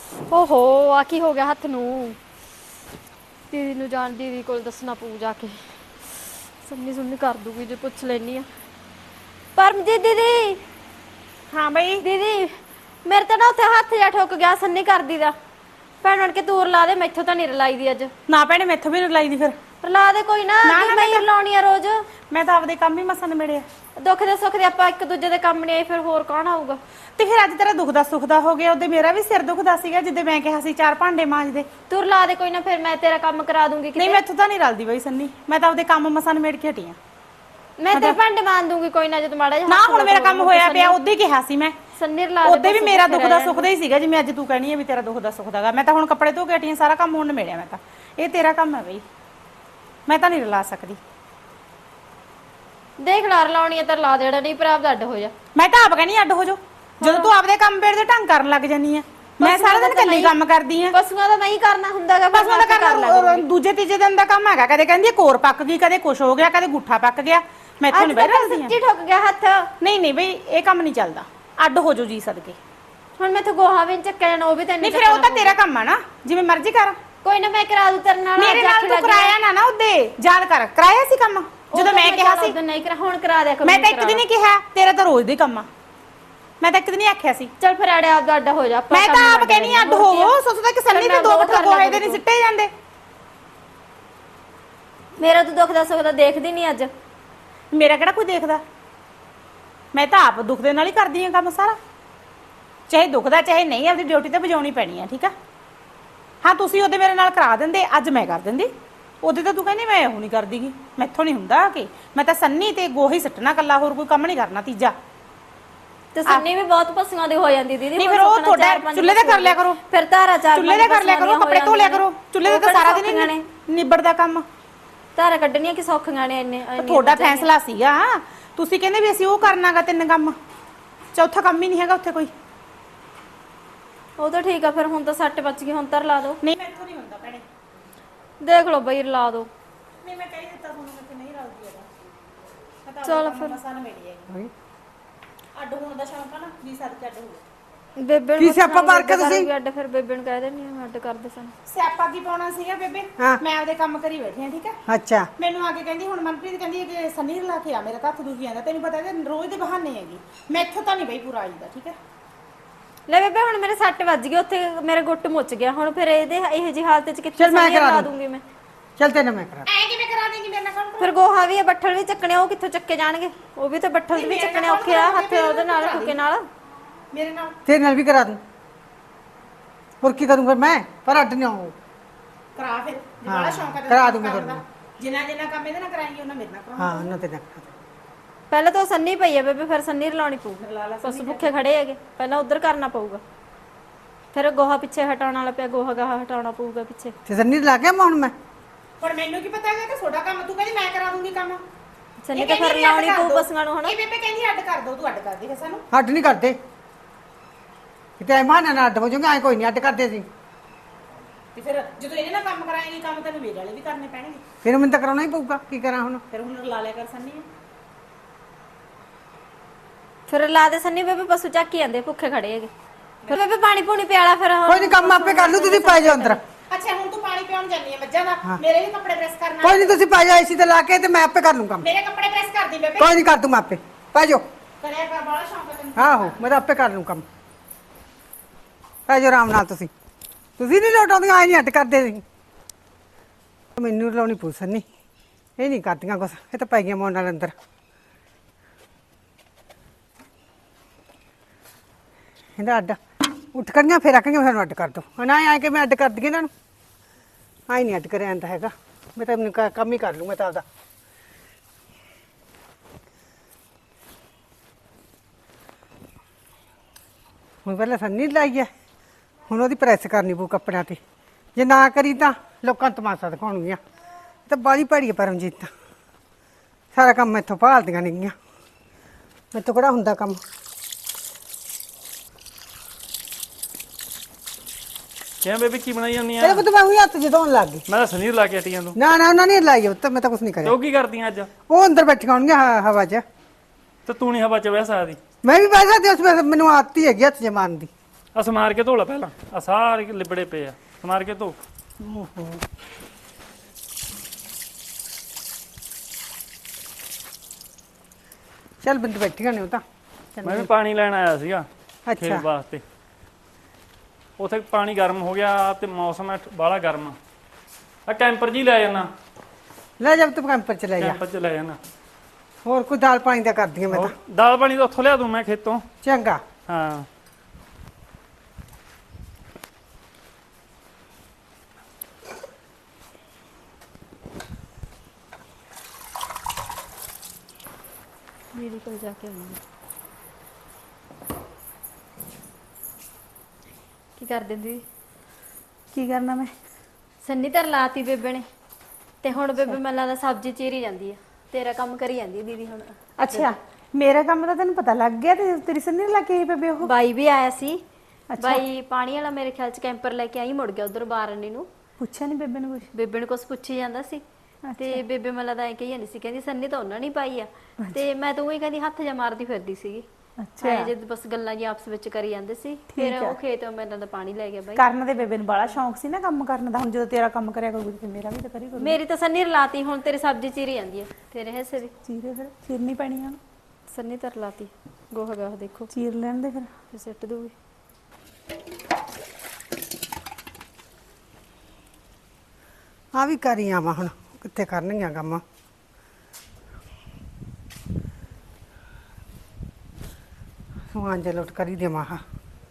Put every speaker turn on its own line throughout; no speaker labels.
ਓਹੋ ਆ ਕੀ ਹੋ ਗਿਆ ਹੱਥ ਨੂੰ। ਦੀਦੀ ਨੂੰ ਜਾਣ ਦੀਦੀ ਕੋਲ ਦੱਸਣਾ ਪਊ ਜਾ ਕੇ। ਸੰਨੀ ਸੁਣਨੀ ਕਰ ਦੂਗੀ ਜੇ ਪੁੱਛ ਲੈਣੀ ਆ। ਪਰਮਜੀਤ ਦੀਦੀ
ਹਾਂ ਬਈ।
ਦੀਦੀ ਮੇਰੇ ਤਾਂ ਨਾ ਉੱਥੇ ਹੱਥ ਜਾ ਠੁੱਕ ਗਿਆ ਸੰਨੀ ਕਰਦੀ ਦਾ। ਭੈਣ ਬਣ ਕੇ ਤੂੰ ਰਲਾ ਦੇ, ਮੈਥੋਂ ਤਾਂ ਨਹੀਂ ਰਲਾਈ ਦੀ ਅੱਜ।
ਨਾ ਭੈਣੇ ਮੈਥੋਂ ਵੀ ਰਲਾਈ ਦੀ ਫਿਰ।
ਰਲਾ ਦੇ ਕੋਈ ਨਾ,
ਨਾ
ਕਿ
ਨਾ
ਮੈਂ ਹੀ ਰਲਾਉਣੀ ਆ ਰੋਜ਼।
ਮੈਂ ਤਾਂ ਆਪਦੇ ਕੰਮ ਹੀ ਮਸਾਂ ਨਿਬੇੜਿਆ।
ਦੁੱਖ ਦੇ ਸੁੱਖ ਦੇ ਆਪਾਂ ਇੱਕ ਦੂਜੇ ਦੇ ਕੰਮ ਨਹੀਂ ਆਏ, ਫਿਰ ਹੋਰ ਕੌਣ ਆਊਗਾ।
ਤੇ ਫਿਰ ਅੱਜ ਤੇਰਾ ਦੁੱਖ ਦਾ ਸੁੱਖ ਦਾ ਹੋ ਗਿਆ, ਉਹਦੇ ਮੇਰਾ ਵੀ ਸਿਰ ਦੁਖਦਾ ਸੀਗਾ ਜਿੱਦੇ ਮੈਂ ਕਿਹਾ ਸੀ 4 ਭਾਂਡੇ ਮਾਂਜ ਦੇ।
ਤੂੰ ਰਲਾ ਦੇ ਕੋਈ ਨਾ, ਫਿਰ ਮੈਂ ਤੇਰਾ ਕੰਮ ਕਰਾ ਦੂੰਗੀ
ਨਹੀਂ
ਕਿਤੇ।
ਮੈਥੋਂ ਤਾਂ ਨਹੀਂ ਰਲਦੀ ਬਈ ਸੰਨੀ, ਮੈਂ ਤਾਂ ਆਪਦੇ ਕੰਮ ਮਸਾਂ ਨਿਬੇੜ ਕੇ ਹਟੀ ਆ।
ਮੈਂ ਤੇਰੇ ਭਾਂਡੇ ਮਾਂਜ ਦੂੰਗੀ ਕੋਈ ਨਾ, ਜਦੋਂ ਮਾੜਾ ਜਿਹਾ
ਨਾ
ਹੱਥ
ਹੁਣ ਮੇਰਾ
ਲੱਗੂਗਾ
ਕੰਮ ਹੋਇਆ ਪਿਆ, ਉਦੋਂ ਹੀ ਕਿਹਾ ਸੀ ਮੈਂ।
ਸੰਨੀ ਰਲਾ ਦੇ
ਉਹਦੇ ਵੀ
ਬਸ,
ਮੇਰਾ
ਉੱਥੇ
ਦੁੱਖ ਦਾ
ਰਹਿ
ਸੁੱਖ ਦਾ ਹੀ ਸੀਗਾ, ਜਿਵੇਂ ਅੱਜ ਤੂੰ ਕਹਿਣੀ ਹੈ ਵੀ ਤੇਰਾ ਦੁੱਖ ਦਾ ਸੁੱਖ ਦਾਗਾ। ਮੈਂ ਤਾਂ ਹੁਣ ਕੱਪੜੇ ਧੋ ਕੇ ਹਟੀ ਆ, ਸਾਰਾ ਕੰਮ ਹੁਣ ਨਿਬੇੜਿਆ ਮੈਂ ਤਾਂ। ਇਹ ਤੇਰਾ ਕੰਮ ਹੈ ਬਈ, ਮੈਂ ਤਾਂ ਨਹੀਂ ਰਲਾ ਸਕਦੀ।
ਦੇਖ ਲਾ ਰਲਾਉਣੀ ਹੈ ਤਾਂ ਰਲਾ ਦੇਣਾ, ਨਹੀਂ ਭਰਾ ਦਾ ਅੱਡ ਹੋ ਜਾ।
ਮੈਂ ਤਾਂ ਆਪ ਕਹਿਣੀ ਅੱਡ ਹੋ ਜਾ, ਜਦੋਂ ਤੂੰ ਆਪਦੇ ਕੰਮ ਬੇੜ ਦੇ ਢੰਗ ਕਰਨ ਲੱਗ ਜਾਨੀ ਆ। ਮੈਂ ਸਾਰਾ ਦਿਨ ਇਕੱਲੀ ਕੰਮ ਕਰਦੀ ਆ।
ਪਸ਼ੂਆਂ ਦਾ ਨਹੀਂ ਕਰਨਾ ਹੁੰਦਾਗਾ,
ਬਸ ਉਹਦਾ ਕੰਮ ਦੂਜੇ ਤੀਜੇ ਦਿਨ ਦਾ ਕੰਮ ਹੈਗਾ। ਕਦੇ ਕਹਿੰਦੀ ਕੋਰ ਪੱਕ ਗਈ, ਕਦੇ ਕੁਛ ਹੋ ਗਿਆ, ਕਦੇ ਗੁੱਠਾ ਪੱਕ ਗਿਆ। ਮੈਥੋਂ ਨਹੀਂ ਬਹਿ ਰਹੀ।
ਸੱਚੀ ਠੁੱਕ ਗਿਆ ਹੱਥ।
ਨਹੀਂ ਨਹੀਂ ਬਈ ਇਹ ਕੰਮ ਨਹੀਂ ਚੱਲਦਾ, ਅੱਡ ਹੋ ਜਾਓ ਜੀ ਸਦਕੇ।
ਹੁਣ ਮੈਥੋਂ ਗੋਹਾ ਵੀ ਨੀ ਚੱਕਿਆ ਜਾਣਾ, ਉਹ ਵੀ ਤੈਨੂੰ
ਨਹੀਂ ਫਿਰ ਉਹ ਤਾਂ ਤੇਰਾ ਕੰਮ ਆ ਨਾ, ਜਿਵੇਂ ਮਰਜ਼ੀ ਕਰ।
ਕੋਈ ਨਾ ਮੈਂ ਕਰਾ ਦੂ ਤੇਰੇ ਨਾਲ।
ਮੇਰੇ ਨਾਲ ਤੂੰ ਕਰਾਇਆ ਨਾ ਨਾ ਉਹਦੇ, ਯਾਦ ਕਰ ਕਰਾਇਆ ਸੀ ਕੰਮ ਜਦੋਂ ਮੈਂ ਕਿਹਾ ਸੀ।
ਨਹੀਂ ਕਰਾ, ਹੁਣ ਕਰਾ ਦਿਆ ਕਰ।
ਮੈਂ ਤਾਂ ਇੱਕ ਦਿਨ ਹੀ ਕਿਹਾ, ਤੇਰਾ ਤਾਂ ਰੋਜ਼ ਦਾ ਹੀ ਕੰਮ ਆ। ਮੈਂ ਤਾਂ ਇੱਕ ਦਿਨ ਹੀ ਆਖਿਆ ਸੀ
ਚੱਲ ਫਿਰ ਆੜੇ ਆਪ ਦਾ ਅੱਡ ਹੋ ਜਾ।
ਮੈਂ ਤਾਂ ਆਪ ਕਹਿਣੀ ਅੱਡ ਹੋਵੋ। ਸੋਚਦਾ ਕਿ ਸੰਨੀ ਦੇ 2 ਬੱਠਲ ਗੋਹੇ ਦੇ ਨਹੀਂ ਸਿੱਟੇ ਜਾਂਦੇ।
ਮੇਰਾ ਤੂੰ ਦੁੱਖ ਦਾ ਸੁੱਖ ਦਾ ਦੇਖਦੀ ਨਹੀਂ ਅੱਜ।
ਮੇਰਾ ਕਿਹੜਾ ਕੋਈ ਦੇਖਦਾ, ਮੈਂ ਤਾਂ ਆਪ ਦੁੱਖ ਦੇ ਨਾਲ ਹੀ ਕਰਦੀ ਆ ਕੰਮ ਸਾਰਾ। ਚਾਹੇ ਦੁਖਦਾ ਚਾਹੇ ਨਹੀਂ, ਆਪਦੀ ਡਿਊਟੀ ਤਾਂ ਵਜਾਉਣੀ ਪੈਣੀ ਆ, ਠੀਕ ਆ। ਹਾਂ ਤੁਸੀਂ ਉਹਦੇ ਮੇਰੇ ਨਾਲ ਕਰਾ ਦਿੰਦੇ, ਅੱਜ ਮੈਂ ਕਰ ਦਿੰਦੀ। ਉਹਦੇ ਤਾਂ ਤੂੰ ਕਹਿੰਦੀ ਮੈਂ ਉਹ ਨਹੀਂ ਕਰਦੀਗੀ, ਮੈਥੋਂ ਨਹੀਂ ਹੁੰਦਾ ਕਿ ਮੈਂ ਤਾਂ ਸੰਨੀ ਤੇ ਗੋਹੀ ਸੱਟਣਾ ਕੱਲਾ, ਹੋਰ ਕੋਈ ਕੰਮ ਨਹੀਂ ਕਰਨਾ ਤੀਜਾ।
ਤੇ ਸੰਨੀ ਵੀ ਬਹੁਤ ਪਸ਼ੂਆਂ ਦੀ ਹੋ ਜਾਂਦੀ ਦੀਦੀ।
ਨਹੀਂ ਫਿਰ ਉਹ ਤੁਹਾਡਾ ਚੁੱਲ੍ਹੇ ਤੇ ਕਰ ਲਿਆ ਕਰੋ,
ਫਿਰ ਧਾਰਾ ਚਾਰ
ਚੁੱਲ੍ਹੇ ਤੇ ਕਰ ਲਿਆ ਕਰੋ, ਕੱਪੜੇ ਧੋ ਲਿਆ ਕਰੋ। ਚੁੱਲ੍ਹੇ ਤੇ ਤਾਂ ਸਾਰਾ ਦਿਨ ਹੀ ਨਿਬੜਦਾ ਕੰਮ।
ਧਾਰਾ ਕੱਢਣੀਆਂ ਕਿ ਸੌਖੀਆਂ ਨੇ ਇੰਨੇ।
ਤੁਹਾਡਾ ਫੈਸਲਾ ਸੀਗਾ, ਤੁਸੀਂ ਕਹਿੰਦੇ ਵੀ ਅਸੀਂ ਉਹ ਕਰਨਾਗਾ 3 ਕੰਮ, ਚੌਥਾ ਕੰਮ ਹੀ ਨਹੀਂ ਹੈਗਾ ਉੱਥੇ ਕੋਈ।
ਉਹ ਤਾਂ ਠੀਕ ਆ, ਫਿਰ ਹੁਣ ਤਾਂ 6 ਵੱਜ ਗਏ, ਹੁਣ ਤਾਂ ਰਲਾ ਦੋ।
ਨਹੀਂ ਮੈਥੋਂ ਨਹੀਂ ਹੁੰਦਾ ਭੈਣੇ।
ਦੇਖ ਲਓ ਬਈ ਰਲਾ ਦੋ।
ਨਹੀਂ ਮੈਂ ਕਹਿ ਦਿੱਤਾ ਤੁਹਾਨੂੰ ਕਿ ਨਹੀਂ ਰਲਦੀ ਹੈਗਾ।
ਚਲ ਫਿਰ
ਮਸਾਂ ਮੇਰੀ ਹੈ ਅੱਡ ਹੋਣ ਦਾ ਸ਼ੌਂਕ ਆ ਨਾ ਜੀ, ਸਦਕੇ ਅੱਡ ਹੋ ਗਏ।
ਬੇਬੇ
ਕੀ ਸਿਆਪਾ ਮਾਰ ਕੇ ਤੁਸੀਂ?
ਅੱਡ ਫਿਰ ਬੇਬੇ ਨੂੰ ਕਹਿ ਦੇਣੀ ਆ ਅੱਡ ਕਰਦੇ ਸਨ।
ਸਿਆਪਾ ਕੀ ਪਾਉਣਾ ਸੀਗਾ ਬੇਬੇ, ਮੈਂ ਆਪਦੇ ਕੰਮ ਕਰੀ ਬੈਠੀ ਆ, ਠੀਕ ਆ।
ਅੱਛਾ
ਮੈਨੂੰ ਆ ਕੇ ਕਹਿੰਦੀ ਹੁਣ ਮਨਪ੍ਰੀਤ ਕਹਿੰਦੀ ਕਿ ਸੰਨੀ ਰਲਾ ਕੇ ਆ, ਮੇਰਾ ਹੱਥ ਦੁਖੀ ਜਾਂਦਾ। ਤੈਨੂੰ ਪਤਾ ਹੈ ਰੋਜ਼ ਦੇ ਬਹਾਨੇ ਹੈਗੀ, ਮੈਥੋਂ ਤਾਂ ਨਹੀਂ ਬਈ ਪੂਰਾ ਆਈਦਾ, ਠੀਕ ਹੈ।
ਲੈ ਬੇਬੇ ਹੁਣ ਮੇਰੇ 6 ਵੱਜ ਗਏ, ਉੱਥੇ ਮੇਰੇ ਗੁੱਟ ਮੁੱਚ ਗਿਆ। ਹੁਣ ਫਿਰ ਇਹਦੇ ਇਹੋ ਜੀ ਹਾਲਤ 'ਚ ਕਿੱਥੇ
ਚੱਲ ਮੈਂ
ਸੰਨੀ
ਕਰਾ
ਰਲਾ
ਦੂੰ।
ਦੂੰਗੀ ਮੈਂ।
ਚੱਲ ਤੈਨੂੰ ਮੈਂ ਕਰਾ।
ਐ ਕਿਵੇਂ ਕਰਾ ਦੇਂਗੀ ਮੇਰੇ ਨਾਲ ਕੰਮ?
ਫਿਰ ਗੋਹਾ ਵੀ ਹੈ, ਬੱਠਲ ਵੀ ਚੱਕਣੇ, ਉਹ ਕਿੱਥੋਂ ਚੱਕੇ ਜਾਣਗੇ? ਉਹ ਵੀ ਤਾਂ ਬੱਠਲ ਵੀ ਚੱਕਣੇ ਔਖੇ ਆ, ਹੱਥ ਉਹਦੇ ਨਾਲ ਠੁੱਕੇ ਨਾਲ।
ਮੇਰੇ ਨਾਲ
ਤੇਰੇ ਨਾਲ ਵੀ ਕਰਾ ਦੂੰ, ਹੋਰ ਕੀ ਕਰੂੰ ਫਿਰ ਮੈਂ, ਪਰ ਅੱਡ ਨਹੀਂ ਆਉਂ।
ਕਰਾ ਫਿਰ, ਜੇ ਬੜਾ ਸ਼ੌਂਕ ਹੈ
ਕਰਾ ਦੂੰਗੀ ਤੁਹਾਨੂੰ।
ਜਿੰਨਾ ਕੰਮ ਇਹਦੇ ਨਾਲ ਕਰਾਏਂਗੀ ਉਹਨਾਂ ਮੇਰੇ ਨਾਲ ਕਰਾਉਂਗੀ।
ਹਾਂ ਉਹਨਾਂ ਤੇ ਨਾ ਕਰਾ ਦੂੰ।
ਪਹਿਲਾਂ ਤਾਂ ਉਹ ਸੰਨੀ ਪਈ ਹੈ ਬੇਬੇ, ਫਿਰ ਸੰਨੀ ਰਲਾਉਣੀ ਪਊ। ਪਸ਼ੂ ਭੁੱਖੇ ਖੜੇ ਹੈਗੇ, ਪਹਿਲਾਂ ਉਧਰ ਕਰਨਾ ਪਊਗਾ। ਫਿਰ ਗੋਹਾ ਪਿੱਛੇ ਹਟਾਉਣ ਵਾਲਾ ਪਿਆ, ਗੋਹਾ ਗਾਹਾ ਹਟਾਉਣਾ ਪਊਗਾ ਪਿੱਛੇ।
ਤੇ ਸੰਨੀ ਲਾ ਕੇ ਹੁਣ ਮੈਂ
ਹੁਣ ਮੈਨੂੰ ਕੀ ਪਤਾ ਹੈਗਾ ਕਿ ਤੁਹਾਡਾ ਕੰਮ, ਤੂੰ ਕਹਿੰਦੀ ਮੈਂ ਕਰਾ ਦੂੰਗੀ ਕੰਮ।
ਸੰਨੀ ਤਾਂ ਫਿਰ ਰਲਾਉਣੀ ਪਊ ਪਸ਼ੂਆਂ ਨੂੰ। ਹੁਣ
ਇਹ ਬੇਬੇ ਕਹਿੰਦੀ ਅੱਡ ਕਰ ਦੋ, ਤੂੰ ਅੱਡ ਕਰ ਦੇ ਫਿਰ ਸਾਨੂੰ।
ਅੱਡ ਨਹੀਂ ਕਰਦੇ ਕਿਤੇ ਮਾਨਾ ਨਾਲ ਅੱਡ ਹੋ ਜਾਊਗਾ, ਐ ਕੋਈ ਨਹੀਂ ਅੱਡ ਕਰਦੇ ਸੀ।
ਤੇ ਫਿਰ ਜਦੋਂ ਇਹਦੇ ਨਾਲ ਕੰਮ ਕਰਾਏਂਗੀ, ਕੰਮ ਤੈਨੂੰ ਮੇਰੇ ਵਾਲੇ ਵੀ ਕਰਨੇ ਪੈਣਗੇ।
ਫਿਰ ਮੈਨੂੰ ਤਾਂ ਕਰਾਉਣਾ ਹੀ ਪਊਗਾ, ਕੀ ਕਰਾਂ ਹੁਣ।
ਫਿਰ ਹੁਣ ਰਲਾ ਲਿਆ ਕਰ ਸੰਨੀ।
ਫਿਰ ਲਾ ਦੇ ਸੰਨੀ ਬੇਬੇ, ਪਸ਼ੂ ਚੱਕ ਹੀ ਜਾਂਦੇ ਭੁੱਖੇ ਖੜੇ ਹੈਗੇ। ਫਿਰ ਬੇਬੇ ਪਾਣੀ ਪੂਣੀ ਪਿਆਲਾ ਫਿਰ।
ਕੋਈ ਨਹੀਂ ਕੰਮ ਆਪੇ ਕਰ ਲੂ, ਤੁਸੀਂ ਪੈ ਜਾਓ ਅੰਦਰ।
ਅੱਛਾ ਹੁਣ ਤੂੰ ਪਾਣੀ ਪਿਉਣ ਜਾਨੀ ਹੈ ਮੱਝਾਂ ਦਾ, ਮੇਰੇ ਵੀ ਕੱਪੜੇ ਪ੍ਰੈਸ ਕਰਨਾ।
ਕੋਈ ਨਹੀਂ ਤੁਸੀਂ ਪੈ ਜਾਓ ਏਸੀ ਤੇ ਲਾ ਕੇ, ਤੇ ਮੈਂ ਆਪੇ ਕਰ ਲੂੰ ਕੰਮ।
ਮੇਰੇ ਕੱਪੜੇ ਪ੍ਰੈਸ ਕਰ ਦੀ ਬੇਬੇ।
ਕੋਈ ਨਹੀਂ ਕਰ ਦੂੰ ਮੈਂ ਆਪੇ, ਪੈ ਜਾਓ।
ਕਰਿਆ ਕਰ, ਬੜਾ ਸ਼ੌਂਕ ਹੈ ਤੈਨੂੰ।
ਆਹੋ ਮੈਂ ਤਾਂ ਆਪੇ ਕਰ ਲੂੰ ਕੰਮ, ਪੈ ਜਾਓ ਆਰਾਮ ਨਾਲ। ਤੁਸੀਂ ਨਹੀਂ ਲੋਟਾਉਂਦੀਆਂ, ਆਏ ਨਹੀਂ ਅੱਡ ਕਰਦੇ ਸੀ। ਮੈਨੂੰ ਲਾਉਣੀ ਪਊ ਸੰਨੀ, ਇਹ ਨਹੀਂ ਕਰਦੀਆਂ ਕੁਛ, ਇਹ ਤਾਂ ਪੈ ਗਈਆਂ ਮੋਨ ਨਾਲ ਅੰਦਰ। ਇਹਦਾ ਅੱਡ ਉੱਠ ਕਰੀਆਂ, ਫਿਰ ਆਖੀਆਂ ਸਾਨੂੰ ਅੱਡ ਕਰ ਦੋ। ਹੁਣ ਆਏ ਕਿ ਮੈਂ ਅੱਡ ਕਰ ਦਈਏ ਇਹਨਾਂ ਨੂੰ, ਆਈ ਨਹੀਂ ਅੱਡ ਕਰਿਆ ਜਾਂਦਾ ਹੈਗਾ। ਮੈਂ ਤਾਂ ਮੈਨੂੰ ਕੰਮ ਹੀ ਕਰ ਲੂੰ ਮੈਂ ਤਾਂ ਆਪਦਾ। ਹੁਣ ਪਹਿਲਾਂ ਸੰਨੀ ਲਾਈ ਹੈ, ਹੁਣ ਉਹਦੀ ਪ੍ਰੈਸ ਕਰਨੀ ਪਊ ਕੱਪੜਿਆਂ ਤੇ। ਜੇ ਨਾ ਕਰੀ ਤਾਂ ਲੋਕਾਂ ਨੂੰ ਤਮਾਸ਼ਾ ਦਿਖਾਉਣਗੀਆਂ। ਤਾਂ ਬਾਹਲੀ ਭੈੜੀ ਹੈ ਪਰਮਜੀਤ ਤਾਂ, ਸਾਰਾ ਕੰਮ ਮੈਥੋਂ ਭਾਲਦੀਆਂ ਨੇਗੀਆਂ, ਮੈਥੋਂ ਕਿਹੜਾ ਹੁੰਦਾ ਕੰਮ।
ਕਿਵੇਂ ਬੇਬੀ ਕੀ ਬਣਾਈ ਜਾਂਦੀ ਆ?
ਤੇਰੇ ਪੁੱਤ ਮੈਂ ਉਹੀ ਹੱਥ ਜਦੋਂਣ ਲੱਗ ਗਈ।
ਮੈਂ ਤਾਂ ਸਨੀਰ ਲਾ ਕੇ ਹਟੀ ਤੂੰ।
ਨਾ ਨਾ ਉਹਨਾਂ ਨੇ ਲਾਈ, ਤਾਂ ਮੈਂ ਤਾਂ ਕੁਛ ਨਹੀਂ ਕਰਿਆ।
ਤੂੰ ਕੀ ਕਰਦੀਆਂ ਅੱਜ?
ਉਹ ਅੰਦਰ ਬੈਠੀਆਂ ਹੋਣਗੀਆਂ ਹਵਾ 'ਚ।
ਤੇ ਤੂੰ ਨਹੀਂ ਹਵਾ ਚ ਬਹਿ ਸਕਦੀ?
ਮੈਂ ਵੀ ਬਹਿ ਸਕਦੀ, ਉਸ ਵੇਲੇ ਮੈਨੂੰ ਆਦਤ ਹੀ ਹੈਗੀ ਹੱਥ ਜਮਾਨ ਦੀ।
ਆ ਸਮਾਰ ਕੇ ਧੋ ਲੈ ਪਹਿਲਾਂ, ਆ ਸਾਰੇ ਲਿਬੜੇ ਪਏ ਆ, ਸਮਾਰ ਕੇ ਧੋ।
ਓਹੋ ਚੱਲ ਬੰਦ ਬੈਠੀਆਂ ਨੇ ਉਹ ਤਾਂ
ਮੈਂ ਵੀ ਪਾਣੀ ਲੈਣ ਆਇਆ ਸੀਗਾ ਖੇਤ
ਅੱਛਾ
ਵਾਸਤੇ। ਉੱਥੇ ਪਾਣੀ ਗਰਮ ਹੋ ਗਿਆ ਤੇ ਮੌਸਮ ਬਾਹਲਾ ਗਰਮ ਆ ਕੈਂਪਰ ਜੀ ਲੈ ਜਾਣਾ,
ਲੈ ਜਾ ਤੂੰ ਕੈਂਪਰ ਚ ਲੈ ਜਾ।
ਕੈਂਪਰ ਚ ਲੈ ਜਾਣਾ।
ਹੋਰ ਕੋਈ ਦਾਲ ਪਾਣੀ ਦਾ ਕਰਦੀਆਂ ਮੈਂ ਤਾਂ।
ਦਾਲ ਪਾਣੀ ਤਾਂ ਉੱਥੋਂ ਲਿਆ ਦੂੰ ਮੈਂ ਖੇਤੋਂ।
ਚੰਗਾ
ਹਾਂ
ਦੀਦੀ ਕੋਲ ਜਾ ਕੇ ਆਉਂਦੀ ਕੀ ਕਰਦੇ ਦੀਦੀ?
ਕੀ ਕਰਨਾ ਮੈਂ?
ਸੰਨੀ ਤਾਂ ਲਾਤੀ ਬੇਬੇ ਨੇ ਤੇ ਹੁਣ ਬੇਬੇ ਮੈਨੂੰ ਲੱਗਦਾ ਸਬਜ਼ੀ ਚੀਰੀ ਜਾਂਦੀ ਆ, ਤੇਰਾ ਕੰਮ ਕਰੀ ਜਾਂਦੀ ਆ ਦੀਦੀ ਹੁਣ।
ਅੱਛਾ, ਮੇਰਾ ਕੰਮ ਤਾਂ ਤੈਨੂੰ ਪਤਾ ਲੱਗ ਗਿਆ ਤੇ ਤੇਰੀ ਸੰਨੀ ਲਾ ਕੇ ਆਈ ਬੇਬੇ ਉਹ।
ਬਾਈ ਵੀ ਆਇਆ ਸੀ। ਬਾਈ ਪਾਣੀ ਵਾਲਾ ਮੇਰੇ ਖਿਆਲ ਚ ਕੈਂਪਰ ਲੈ ਕੇ ਆਈ, ਮੁੜ ਗਿਆ ਉਧਰ ਬਾਰਨੀ ਨੂੰ।
ਪੁੱਛਿਆ ਨਹੀਂ ਬੇਬੇ ਨੂੰ ਕੁਛ?
ਬੇਬੇ ਨੂੰ ਕੁਛ ਪੁੱਛੀ ਜਾਂਦਾ ਸੀ ਤੇ ਬੇਬੇ ਮੈਨੂੰ ਲੱਗਦਾ ਐ ਕਹੀ ਜਾਂਦੀ ਸੀ, ਕਹਿੰਦੀ ਸੰਨੀ ਤਾਂ ਉਹਨਾਂ ਨਹੀਂ ਪਾਈ ਆ ਤੇ ਮੈਂ ਤਾਂ ਉਹੀ ਕਹਿੰਦੀ ਹੱਥ ਜਾ ਮਾਰਦੀ ਫਿਰਦੀ ਸੀਗੀ। ਅੱਛਾ ਜਦ ਬਸ ਗੱਲਾਂ ਜੀ ਆਪਸ ਵਿੱਚ ਕਰੀ ਜਾਂਦੇ ਸੀ। ਫਿਰ ਉਹ ਖੇਤ ਮੈਂ ਤਾਂ ਪਾਣੀ ਲੈ ਗਿਆ ਬਾਈ।
ਕਰਨ ਦੇ ਬੇਬੇ ਨੂੰ ਬੜਾ ਸ਼ੌਂਕ ਸੀ ਨਾ ਕੰਮ ਕਰਨ ਦਾ, ਹੁਣ ਜਦੋਂ ਤੇਰਾ ਕੰਮ ਕਰਿਆ ਕਰੂਗੀ ਤੇ ਮੇਰਾ ਵੀ ਤਾਂ ਕਰੀ ਕਰੂਗੀ।
ਮੇਰੀ ਤਾਂ ਸੰਨੀ ਰਲਾਤੀ, ਹੁਣ ਤੇਰੀ ਸਬਜ਼ੀ ਚੀਰੀ ਜਾਂਦੀ ਆ, ਤੇਰੇ ਹਿੱਸੇ ਦੀ
ਚੀਰੇ ਫਿਰ ਚੀਰਨੀ ਪੈਣੀ ਆ।
ਸੰਨੀ ਤਾਂ ਰਲਾਤੀ, ਗੋਹਾ ਗਾਹ ਦੇਖੋ
ਚੀਰ ਲੈਣ ਦੇ ਫਿਰ
ਸਿੱਟ ਦੂਗੀ।
ਆ ਵੀ ਕਰੀ ਆਵਾਂ ਹੁਣ, ਕਿੱਥੇ ਕਰਨਗੀਆਂ ਕੰਮ। ਸਮਾਨ ਜੇ ਲੁੱਟ ਕਰੀ ਦੇਵਾਂ। ਹਾਂ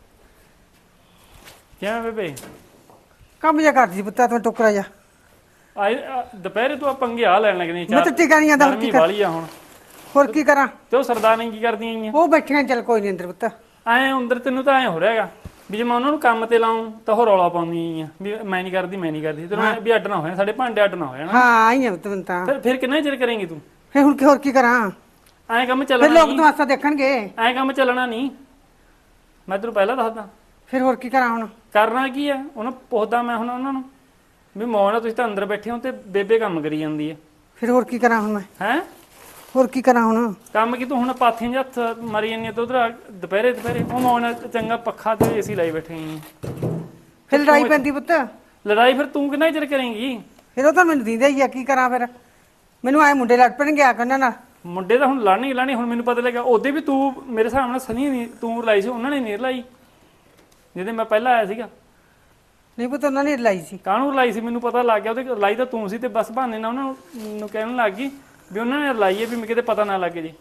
ਕਿਵੇਂ ਬੇਬੇ?
ਕੰਮ ਜਿਹਾ ਕਰਦੀ ਪੁੱਤਾ ਤੂੰ ਟੁਕਰਾ ਜਾ।
ਦੁਪਹਿਰੇ ਤੂੰ ਆ ਪੰਗੇ ਆ ਲੈਣ ਲੱਗਣੀ
ਮੈਂ ਤਾਂ ਟਿਕਾਣੀਆਂ ਦਾ
ਗਰਮੀ ਵਾਲੀ ਆ ਹੁਣ।
ਹੋਰ ਕੀ ਕਰਾਂ?
ਤੇ ਉਹ ਸਰਦਾਰਨੀ ਕੀ ਕਰਦੀਆਂ ਆਈਆਂ?
ਉਹ ਬੈਠੀਆਂ, ਚੱਲ ਕੋਈ ਨਹੀਂ ਅੰਦਰ ਪੁੱਤ।
ਐ ਅੰਦਰ ਤੈਨੂੰ ਤਾਂ ਐ ਹੋ ਰਿਹਾ ਹੈਗਾ ਵੀ ਜੇ ਮੈਂ ਉਹਨਾਂ ਨੂੰ ਕੰਮ ਤੇ ਲਾਉਂ ਤਾਂ ਉਹ ਰੌਲਾ ਪਾਉਂਦੀਆਂ ਆਈਆਂ ਵੀ ਮੈਂ ਨਹੀਂ ਕਰਦੀ ਮੈਂ ਨਹੀਂ ਕਰਦੀ। ਤੈਨੂੰ ਐਂ ਵੀ ਅੱਡ ਨਾ ਹੋਇਆ, ਸਾਡੇ ਭਾਂਡੇ ਅੱਡ ਨਾ ਹੋ ਜਾਣ।
ਹਾਂ ਆਈਆਂ ਤੂੰ ਤਾਂ।
ਫਿਰ ਕਿੰਨਾ ਚਿਰ ਕਰੇਂਗੀ ਤੂੰ?
ਫਿਰ ਹੁਣ ਹੋਰ ਕੀ ਕਰਾਂ?
ਐਂ ਕੰਮ
ਫਿਰ
ਚੱਲਣਾ
ਲੋਕ
ਨਹੀਂ,
ਤਮਾਸ਼ਾ ਦੇਖਣਗੇ।
ਐਂ ਕੰਮ ਚੱਲਣਾ ਨਹੀਂ। ਮੈਂ ਤੈਨੂੰ ਪਹਿਲਾਂ ਦੱਸਦਾ।
ਫਿਰ ਹੋਰ ਕੀ ਕਰਾਂ ਹੁਣ?
ਕਰਨਾ ਕੀ ਆ? ਉਹਨੂੰ ਪੁੱਛਦਾ ਮੈਂ ਹੁਣ ਉਹਨਾਂ ਨੂੰ ਵੀ ਮੌਨ ਤੁਸੀਂ ਤਾਂ ਅੰਦਰ ਬੈਠੇ ਹੋ ਤੇ ਬੇਬੇ ਕੰਮ ਕਰੀ ਜਾਂਦੀ ਹੈ।
ਫਿਰ ਹੋਰ ਕੀ ਕਰਾਂ ਹੁਣ ਮੈਂ?
ਹੈਂ
ਹੋਰ ਕੀ ਕਰਾਂ ਹੁਣ?
ਕੰਮ ਕੀ ਤੂੰ ਹੁਣ ਪਾਥੀਆਂ 'ਚ ਹੱਥ ਮਾਰੀ ਜਾਂਦੀ ਤੇ ਉਧਰ ਦੁਪਹਿਰੇ ਉਹ ਮੌਨ ਚੰਗਾ ਪੱਖਾ ਤੇ ਏਸੀ ਲਾਈ ਬੈਠੇ ਆਂ।
ਫਿਰ ਲੜਾਈ ਪੈਂਦੀ ਪੁੱਤ।
ਲੜਾਈ ਫਿਰ ਤੂੰ ਕਿੰਨਾ ਚਿਰ ਕਰੇਂਗੀ?
ਫਿਰ ਉਹ ਤਾਂ ਮੈਨੂੰ ਦਿੰਦਾ ਹੀ ਆ, ਕੀ ਕਰਾਂ ਫਿਰ? ਮੈਨੂੰ ਆਏ ਮੁੰਡੇ ਲੜ ਪੈਣਗੇ ਆ ਕੇ ਉਹਨਾਂ ਨਾਲ।
ਮੁੰਡੇ ਤਾਂ ਹੁਣ ਲਾਣੀ ਹੁਣ ਮੈਨੂੰ ਪਤਾ ਲੱਗਾ। ਉਹਦੇ ਵੀ ਤੂੰ ਮੇਰੇ ਹਿਸਾਬ ਨਾਲ ਸਨੀ ਨਹੀਂ ਤੂੰ ਲਾਈ ਸੀ, ਉਹਨਾਂ ਨੇ ਨਹੀਂ ਲਾਈ ਜਿਹਦੇ ਮੈਂ ਪਹਿਲਾਂ ਆਇਆ ਸੀਗਾ।
ਨਹੀਂ ਪੁੱਤ ਉਹਨਾਂ ਨੇ ਲਾਈ ਸੀ।
ਕਾਹਨੂੰ ਲਾਈ ਸੀ ਮੈਨੂੰ ਪਤਾ ਲੱਗ ਗਿਆ। ਉਹਦੇ ਲਾਈ ਤਾਂ ਤੂੰ ਸੀ ਤੇ ਬਸ ਬਹਾਨੇ ਨਾਲ ਉਹਨਾਂ ਨੂੰ ਕਹਿਣ ਲੱਗ ਗਈ ਵੀ ਉਹਨਾਂ ਨੇ ਲਾਈ ਹੈ ਵੀ ਕਿਤੇ ਪਤਾ ਨਾ ਲੱਗੇ ਜੀ।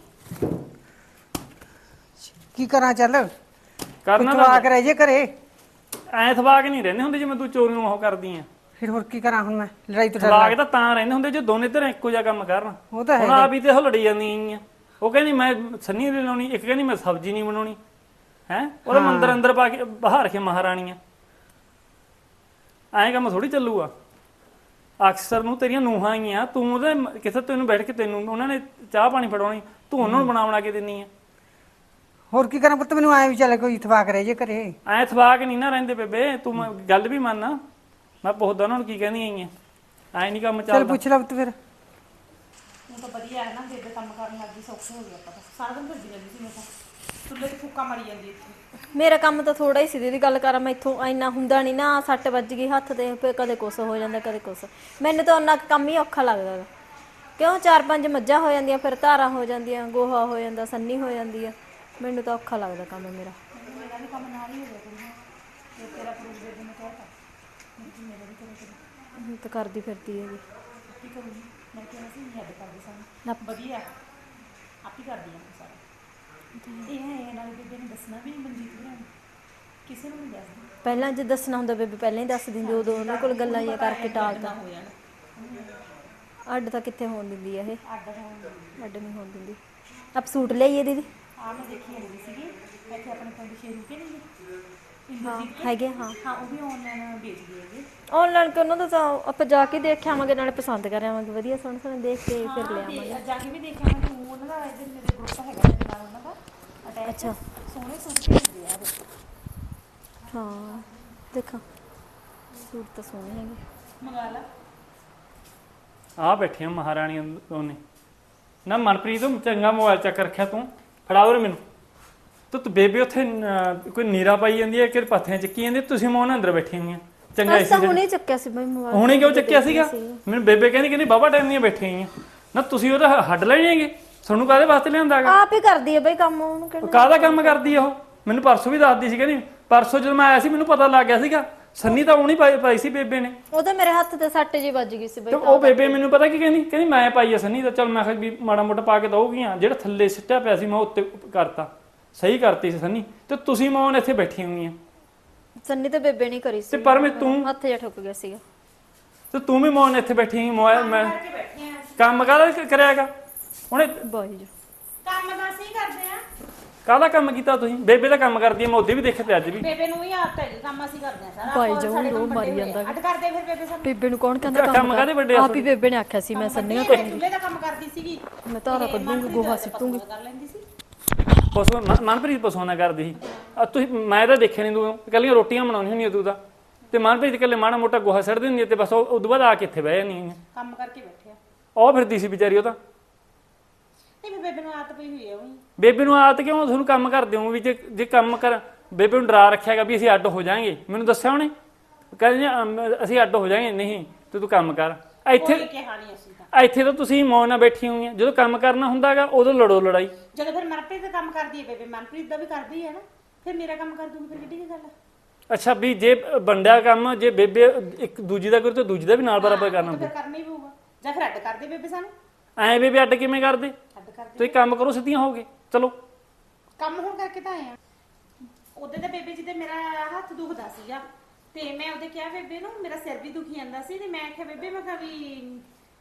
ਕੀ ਕਰਾਂ? ਚੱਲ
ਕਰਨਾ
ਤਵਾਕ ਰਹਿ ਜੇ ਘਰੇ।
ਐ ਥਵਾਕ ਨਹੀਂ ਰਹਿੰਦੇ ਹੁੰਦੇ ਜਿਵੇਂ ਤੂੰ ਚੋਰੀ ਨੂੰ ਉਹ ਕਰਦੀ ਆ।
ਫਿਰ ਹੋਰ ਕੀ ਕਰਾਂ ਹੁਣ ਮੈਂ? ਲੜਾਈ ਤੋਂ ਡਰ
ਥਵਾਕ ਤਾਂ ਰਹਿੰਦੇ ਹੁੰਦੇ ਜੇ ਦੋਨੇ ਧਿਰਾਂ ਇੱਕੋ ਜਿਹਾ ਕੰਮ ਕਰਨ।
ਉਹ ਤਾਂ
ਹੁਣ
ਹੈ।
ਆਪ ਹੀ ਤੇ ਉਹ ਲੜੀ ਜਾਂਦੀਆਂ ਆ। ਉਹ ਕਹਿੰਦੀ ਮੈਂ ਸੰਨੀ ਨਹੀਂ ਲਾਉਣੀ, ਇੱਕ ਕਹਿੰਦੀ ਮੈਂ ਸਬਜ਼ੀ ਨਹੀਂ ਬਣਾਉਣੀ। ਹੈ ਉਹਦਾ ਮੰਦਰ ਅੰਦਰ ਪਾ ਕੇ ਬਾਹਰ ਕੇ ਮਹਾਰਾਣੀਆਂ। ਐਂ ਕੰਮ ਥੋੜੀ ਚੱਲੂਗਾ। ਅਕਸਰ ਨੂੰ ਤੇਰੀਆਂ ਨੂੰਹਾਂ ਆਈਆਂ, ਤੂੰ ਉਹਦੇ ਕਿਥੇ ਤੈਨੂੰ ਬੈਠ ਕੇ ਤੈਨੂੰ ਉਹਨਾਂ ਨੇ ਚਾਹ ਪਾਣੀ ਫੜਾਉਣੀ, ਤੂੰ ਉਹਨਾਂ ਨੂੰ ਬਣਾ ਕੇ ਦਿੰਨੀ ਆ।
ਹੋਰ ਕੀ ਕਰਾਂ ਪੁੱਤ? ਮੈਨੂੰ ਆਏ ਵੀ ਚੱਲ ਕੋਈ ਤਵਾਕ ਰਹਿ ਜੇ ਘਰੇ।
ਐ ਥਵਾਕ ਨਹੀਂ ਨਾ ਰਹਿੰਦੇ ਬੇਬੇ। ਤੂੰ ਗੱਲ ਵੀ ਮੰਨ। ਮੈਂ ਪੁੱਛਦਾ ਉਹਨਾਂ ਨੂੰ ਕੀ ਕਹਿੰਦੀਆਂ ਆਈਆਂ। ਐ ਨਹੀਂ ਕੰਮ
ਚੱਲ
ਚੱਲਦਾ।
ਪੁੱਛ ਲੈ ਪੁੱਤ ਫਿਰ।
ਉਹ ਤਾਂ ਵਧੀਆ ਹੈ ਨਾ, ਬੇਬੇ ਕੰਮ ਕਰਨ ਲੱਗੀ ਸੌਖੇ ਹੋ ਗਿਆ। ਪਤਾ ਸਾਰਾ ਦਿਨ ਭੱਜੀ ਜਾਂਦੀ ਸੀ ਮੈਂ ਤਾਂ, ਚੁੱਲ੍ਹੇ 'ਤੇ ਫੂਕਾ ਮਾਰੀ ਜਾਂਦੀ ਇੱਥੇ।
ਮੇਰਾ ਕੰਮ ਤਾਂ ਥੋੜਾ ਹੀ ਸੀ ਦੀਦੀ, ਗੱਲ ਕਰਾਂ ਮੈਂ ਇੱਥੋਂ ਇੰਨਾ ਹੁੰਦਾ ਨਹੀਂ ਨਾ। ਸੱਟ ਵੱਜ ਗਈ ਹੱਥ ਤੇ, ਫਿਰ ਕਦੇ ਕੁਛ ਹੋ ਜਾਂਦਾ ਕਦੇ ਕੁਛ। ਮੈਨੂੰ ਤਾਂ ਉਹਨਾਂ ਕੰਮ ਹੀ ਔਖਾ ਲੱਗਦਾ ਗਾ। ਕਿਉਂ 4-5 ਮੱਝਾਂ ਹੋ ਜਾਂਦੀਆਂ, ਫਿਰ ਧਾਰਾਂ ਹੋ ਜਾਂਦੀਆਂ, ਗੋਹਾ ਹੋ ਜਾਂਦਾ, ਸੰਨੀ ਹੋ ਜਾਂਦੀ ਆ। ਮੈਨੂੰ ਤਾਂ ਔਖਾ ਲੱਗਦਾ ਕੰਮ ਮੇਰਾ।
ਮੇਰਾ ਵੀ ਕੰਮ ਨਾਲ ਹੀ ਹੋ ਗਿਆ ਕੁੜੀਆਂ। ਇਹ ਤੇਰਾ ਪ੍ਰੂਫ ਬੇਬੇ ਨੇ ਕਹਿਤਾ ਮੇਰਾ ਵੀ ਕਰੇ
ਹੁਣ ਤਾਂ ਕਰਦੀ ਫਿਰਦੀ ਹੈਗੀ।
ਕੀ ਕਰੂੰਗੀ ਮੈਂ? ਕਿਹਾ ਸੀ ਨਹੀਂ ਹੱਦ ਕਰਦੀ ਸਾਨੂੰ ਵਧੀਆ ਆਪ ਹੀ ਕਰਦੀ ਹਾਂ ਸਾਰਾ। ਇਹ ਹੈ ਨਾਲ ਬੇਬੇ ਨੇ ਦੱਸਣਾ ਵੀ ਨਹੀਂ ਮਨਜੀਤ ਨੂੰ, ਕਿਸੇ ਨੂੰ ਨਹੀਂ ਦੱਸਦੀ।
ਪਹਿਲਾਂ ਜੇ ਦੱਸਣਾ ਹੁੰਦਾ ਬੇਬੇ ਪਹਿਲਾਂ ਹੀ ਦੱਸ ਦਿੰਦੀ, ਉਦੋਂ ਉਹਨਾਂ ਕੋਲ ਗੱਲਾਂ ਜਿਹੀਆਂ ਕਰਕੇ ਟਾਲਦਾ। ਅੱਡ ਤਾਂ ਕਿੱਥੇ ਹੋਣ ਦਿੰਦੀ ਆ ਇਹ, ਅੱਡ ਨਹੀਂ ਹੋਣ ਦਿੰਦੀ। ਆਪ ਸੂਟ ਲਿਆਈਏ ਦੀਦੀ?
ਹਾਂ ਮੈਂ ਦੇਖੀ ਹੋਈ ਸੀਗੀ ਇੱਥੇ ਆਪਣੇ ਪਿੰਡ ਸ਼ੇਰੂ ਕੇ ਨਹੀਂ
ਹਾਂ ਹੈਗੇ। ਹਾਂ
ਹਾਂ ਉਹ ਵੀ ਆਨਲਾਈਨ ਵੇਚਦੇ ਹੈਗੇ।
ਆਨਲਾਈਨ ਕਿ ਉਹਨਾਂ ਦਾ ਤਾਂ ਆਪਾਂ ਜਾ ਕੇ ਦੇਖ ਆਵਾਂਗੇ, ਨਾਲੇ ਪਸੰਦ ਕਰ ਆਵਾਂਗੇ, ਵਧੀਆ ਸੋਹਣੇ ਸੋਹਣੇ ਦੇਖ ਕੇ ਫਿਰ ਲੈ ਆਵਾਂਗੇ।
ਜਾ ਕੇ ਵੀ ਦੇਖਿਆ ਮੈਂ, ਤੂੰ ਉਹਨਾਂ ਦਾ ਇੱਧਰ ਮੇਰੇ ਗਰੁੱਪ ਹੈਗਾ ਮੇਰੇ ਨਾਲ ਉਹਨਾਂ ਦਾ ਅਟੈਚ।
ਅੱਛਾ
ਸੋਹਣੇ ਸੂਟ ਭੇਜਦੇ ਆ ਉਹ।
ਹਾਂ ਦੇਖਾਂ ਸੂਟ ਤਾਂ ਸੋਹਣੇ ਹੈਗੇ।
ਮੰਗਾ ਲਾ।
ਆ ਬੈਠੀਆਂ ਮਹਾਰਾਣੀਆਂ ਦੋਨੇ ਨਾ। ਮਨਪ੍ਰੀਤ ਚੰਗਾ ਮੋਬਾਈਲ ਚੱਕ ਰੱਖਿਆ ਤੂੰ, ਫੜਾ ਉਰੇ ਮੈਨੂੰ। ਤੂੰ ਬੇਬੇ ਉੱਥੇ ਕੋਈ ਨੀਰਾ ਪਾਈ ਜਾਂਦੀ ਹੈ ਕਿ ਪੱਥੀਆਂ ਚੱਕੀ ਜਾਂਦੀ ਤੁਸੀਂ ਮੋਹਨ ਅੰਦਰ ਬੈਠੀ ਹੋਈਆਂ ਚੰਗਾ
ਅਸਾਂ ਹੁਣੇ ਚੱਕਿਆ ਸੀ ਬਈ ਮੋਬਾਈਲ।
ਹੁਣੇ ਕਿਉਂ ਚੱਕਿਆ ਸੀਗਾ? ਮੈਨੂੰ ਬੇਬੇ ਕਹਿੰਦੀ ਬਾਬਾ ਟਾਈਮ ਦੀਆਂ ਬੈਠੀਆਂ ਹੋਈਆਂ ਨਾ, ਤੁਸੀਂ ਉਹਦਾ ਹੱਡ ਲੈਣੇ ਹੈਗੇ? ਤੁਹਾਨੂੰ ਕਾਹਦੇ ਵਾਸਤੇ ਲਿਆਂਦਾਗਾ?
ਆਪ ਹੀ ਕਰਦੀ ਹੈ ਬਈ ਕੰਮ, ਉਹਨੂੰ ਕਿਹੜਾ
ਕਾਹਦਾ ਕੰਮ ਕਰਦੀ ਆ ਉਹ? ਮੈਨੂੰ ਪਰਸੋਂ ਵੀ ਦੱਸਦੀ ਸੀ, ਕਹਿੰਦੀ ਪਰਸੋਂ ਜਦੋਂ ਮੈਂ ਆਇਆ ਸੀ ਮੈਨੂੰ ਪਤਾ ਲੱਗ ਗਿਆ ਸੀਗਾ। ਸੰਨੀ ਤਾਂ ਉਹਨੀ ਪਾਈ ਸੀ ਬੇਬੇ ਨੇ।
ਉਹ ਤਾਂ ਮੇਰੇ ਹੱਥ ਤੇ ਸੱਟ ਜੀ ਵੱਜ ਗਈ ਸੀ ਬਈ।
ਤੇ ਉਹ ਬੇਬੇ ਮੈਨੂੰ ਪਤਾ ਕੀ ਕਹਿੰਦੀ ਮੈਂ ਪਾਈ ਆ ਸੰਨੀ ਦਾ। ਚਲ ਮੈਂ ਕਿਹਾ ਵੀ ਮਾੜਾ ਮੋਟਾ ਪਾ ਕੇ ਦਊਗੀਆਂ, ਜਿਹੜਾ ਥੱਲੇ ਸਿੱਟਿਆ ਪਿਆ ਸੀ ਮੈਂ ਉੱਤੇ ਕਰਤਾ, ਸਹੀ ਕਰਤੀ ਸੀ ਸੰਨੀ। ਤੇ ਤੁਸੀਂ ਮੌਨ ਇੱਥੇ ਬੈਠੀਆਂ ਹੋਈਆਂ
ਸੰਨੀ ਤੇ ਬੇਬੇ ਨਹੀਂ ਕਰੀ ਸੀ
ਤੇ ਪਰ ਮੈਂ ਤੂੰ
ਹੱਥ ਜਿਹਾ ਠੁੱਕ ਗਿਆ ਸੀਗਾ।
ਤੇ ਤੂੰ ਵੀ ਮੌਨ ਇੱਥੇ ਬੈਠੀ ਹੋਈ ਮੋਬਾਈਲ ਮੈਂ ਕੰਮ ਕਾਹਦਾ ਕਰਿਆਗਾ ਉਹਨੇ?
ਬਾਈ ਜੀ
ਕੰਮ ਤਾਂ ਅਸੀਂ ਕਰਦੇ ਆ।
ਕਾਹਦਾ ਕੰਮ ਕੀਤਾ ਤੁਸੀਂ? ਬੇਬੇ ਦਾ ਕੰਮ ਕਰਦੀ ਆ, ਮੈਂ ਉਹਦੇ ਵੀ ਦੇਖੇ ਤੇ ਅੱਜ ਵੀ।
ਬੇਬੇ ਨੂੰ ਵੀ ਆਦਤ ਹੈ ਕੰਮ ਅਸੀਂ ਕਰਦੇ ਆ ਸਾਰਾ।
ਭਾਈ ਜੋ ਰੋ ਮਾਰੀ ਜਾਂਦਾ।
ਅੱਡ ਕਰਦੇ ਫਿਰ ਬੇਬੇ ਸਾਨੂੰ।
ਬੇਬੇ ਨੂੰ ਕੌਣ ਕਹਿੰਦਾ
ਕੰਮ ਕਾਹਦੇ ਵੱਡੇ ਆ?
ਆਪ ਹੀ ਬੇਬੇ ਨੇ ਆਖਿਆ ਸੀ ਮੈਂ ਸੰਨੀਆਂ
ਮੈਂ ਚੁੱਲ੍ਹੇ ਦਾ ਕੰਮ ਕਰਦੀ ਸੀਗੀ।
ਮੈਂ ਧਾਰਾ ਕੱਢੂੰਗੀ, ਗੋਹਾ ਸਿੱਟੂੰਗੀ।
ਕਰ ਲੈਂਦੀ ਸੀ।
ਪਸ਼ੂ ਮਨਪ੍ਰੀਤ ਪਸ਼ੂਆਂ ਨਾਲ ਕਰਦੀ ਸੀ। ਤੁਸੀਂ ਮੈਂ ਤਾਂ ਦੇਖਿਆ ਨਹੀਂ, ਤੂੰ ਇਕੱਲੀਆਂ ਰੋਟੀਆਂ ਬਣਾਉਣੀ ਹੁੰਦੀਆਂ ਤੂੰ ਤਾਂ। ਤੇ ਮਨਪ੍ਰੀਤ ਇਕੱਲੇ ਮਾੜਾ ਮੋਟਾ ਗੋਹਾ ਸਿੱਟ ਦਿੰਦੀ ਤੇ ਬਸ ਉਦੋਂ ਬਾਅਦ ਆ ਕੇ ਇੱਥੇ ਬਹਿ ਜਾਂਦੀ।
ਕੰਮ ਕਰਕੇ ਬੈਠੇ ਆ।
ਉਹ ਫਿਰਦੀ ਸੀ ਵਿਚਾਰੀ ਉਹ ਤਾਂ।
ਨਹੀਂ ਬੇਬੇ ਨੂੰ ਆਦਤ ਪਈ ਹੋਈ ਆ ਉਹੀ।
ਬੇਬੇ ਨੂੰ ਆਦਤ ਕਿਉਂ? ਤੁਹਾਨੂੰ ਕੰਮ ਕਰਦੇ ਹੋ ਵੀ ਜੇ ਕੰਮ ਕਰ। ਬੇਬੇ ਨੂੰ ਡਰਾ ਰੱਖਿਆਗਾ ਵੀ ਅਸੀਂ ਅੱਡ ਹੋ ਜਾਾਂਗੇ। ਮੈਨੂੰ ਦੱਸਿਆ ਉਹਨੇ, ਕਹਿੰਦੇ ਅਸੀਂ ਅੱਡ ਹੋ ਜਾਾਂਗੇ। ਨਹੀਂ ਤੂੰ ਕੰਮ ਕਰ। ਇੱਥੇ
ਕਿਹਾ ਨਹੀਂ ਅਸੀਂ ਤਾਂ।
ਇੱਥੇ ਤਾਂ ਤੁਸੀਂ ਮੌਨ ਨਾਲ ਬੈਠੀ ਹੋਈਆਂ, ਜਦੋਂ ਕੰਮ ਕਰਨਾ ਹੁੰਦਾਗਾ ਉਦੋਂ ਲੜੋ ਲੜਾਈ।
ਜਦੋਂ ਫਿਰ ਮਨਪ੍ਰੀਤ ਦਾ ਕੰਮ ਕਰਦੀ ਹੈ ਬੇਬੇ, ਮਨਪ੍ਰੀਤ ਦਾ ਵੀ ਕਰਦੀ ਹੈ ਨਾ, ਫਿਰ ਮੇਰਾ ਕੰਮ ਕਰ ਦੂੰਗੀ, ਫਿਰ ਕਿੱਡੀ ਕੀ ਗੱਲ ਹੈ?
ਅੱਛਾ ਵੀ ਜੇ ਵੰਡਿਆ ਕੰਮ, ਜੇ ਬੇਬੇ ਇੱਕ ਦੂਜੀ ਦਾ ਕਰੂ ਤਾਂ ਦੂਜੀ ਦਾ ਵੀ ਨਾਲ ਬਰਾਬਰ ਕਰਨਾ
ਫਿਰ
ਪਊ।
ਕਰਨਾ ਹੀ ਪਊਗਾ। ਜਾਂ ਫਿਰ ਅੱਡ ਕਰਦੇ ਬੇਬੇ ਸਾਨੂੰ।
ਐਂ ਬੇਬੇ ਅੱਡ ਕਿਵੇਂ ਕਰਦੇ?
ਅੱਡ ਕਰਦੇ
ਤੁਸੀਂ ਕੰਮ ਕਰੋ, ਸਿੱਧੀਆਂ ਹੋਗੇ ਚਲੋ।
ਕੰਮ ਹੁਣ ਕਰਕੇ ਤਾਂ ਆਏ ਆ। ਉਹਦੇ ਤਾਂ ਬੇਬੇ ਜੀ ਤੇ ਮੇਰਾ ਹੱਥ ਦੁਖਦਾ ਸੀਗਾ ਤੇ ਮੈਂ ਉਹਦੇ ਕਿਹਾ ਬੇਬੇ ਨੂੰ ਮੇਰਾ ਸਿਰ ਵੀ ਦੁਖੀ ਜਾਂਦਾ ਸੀ ਤੇ ਮੈਂ ਕਿਹਾ ਬੇਬੇ ਮੈਂ ਕਿਹਾ ਵੀ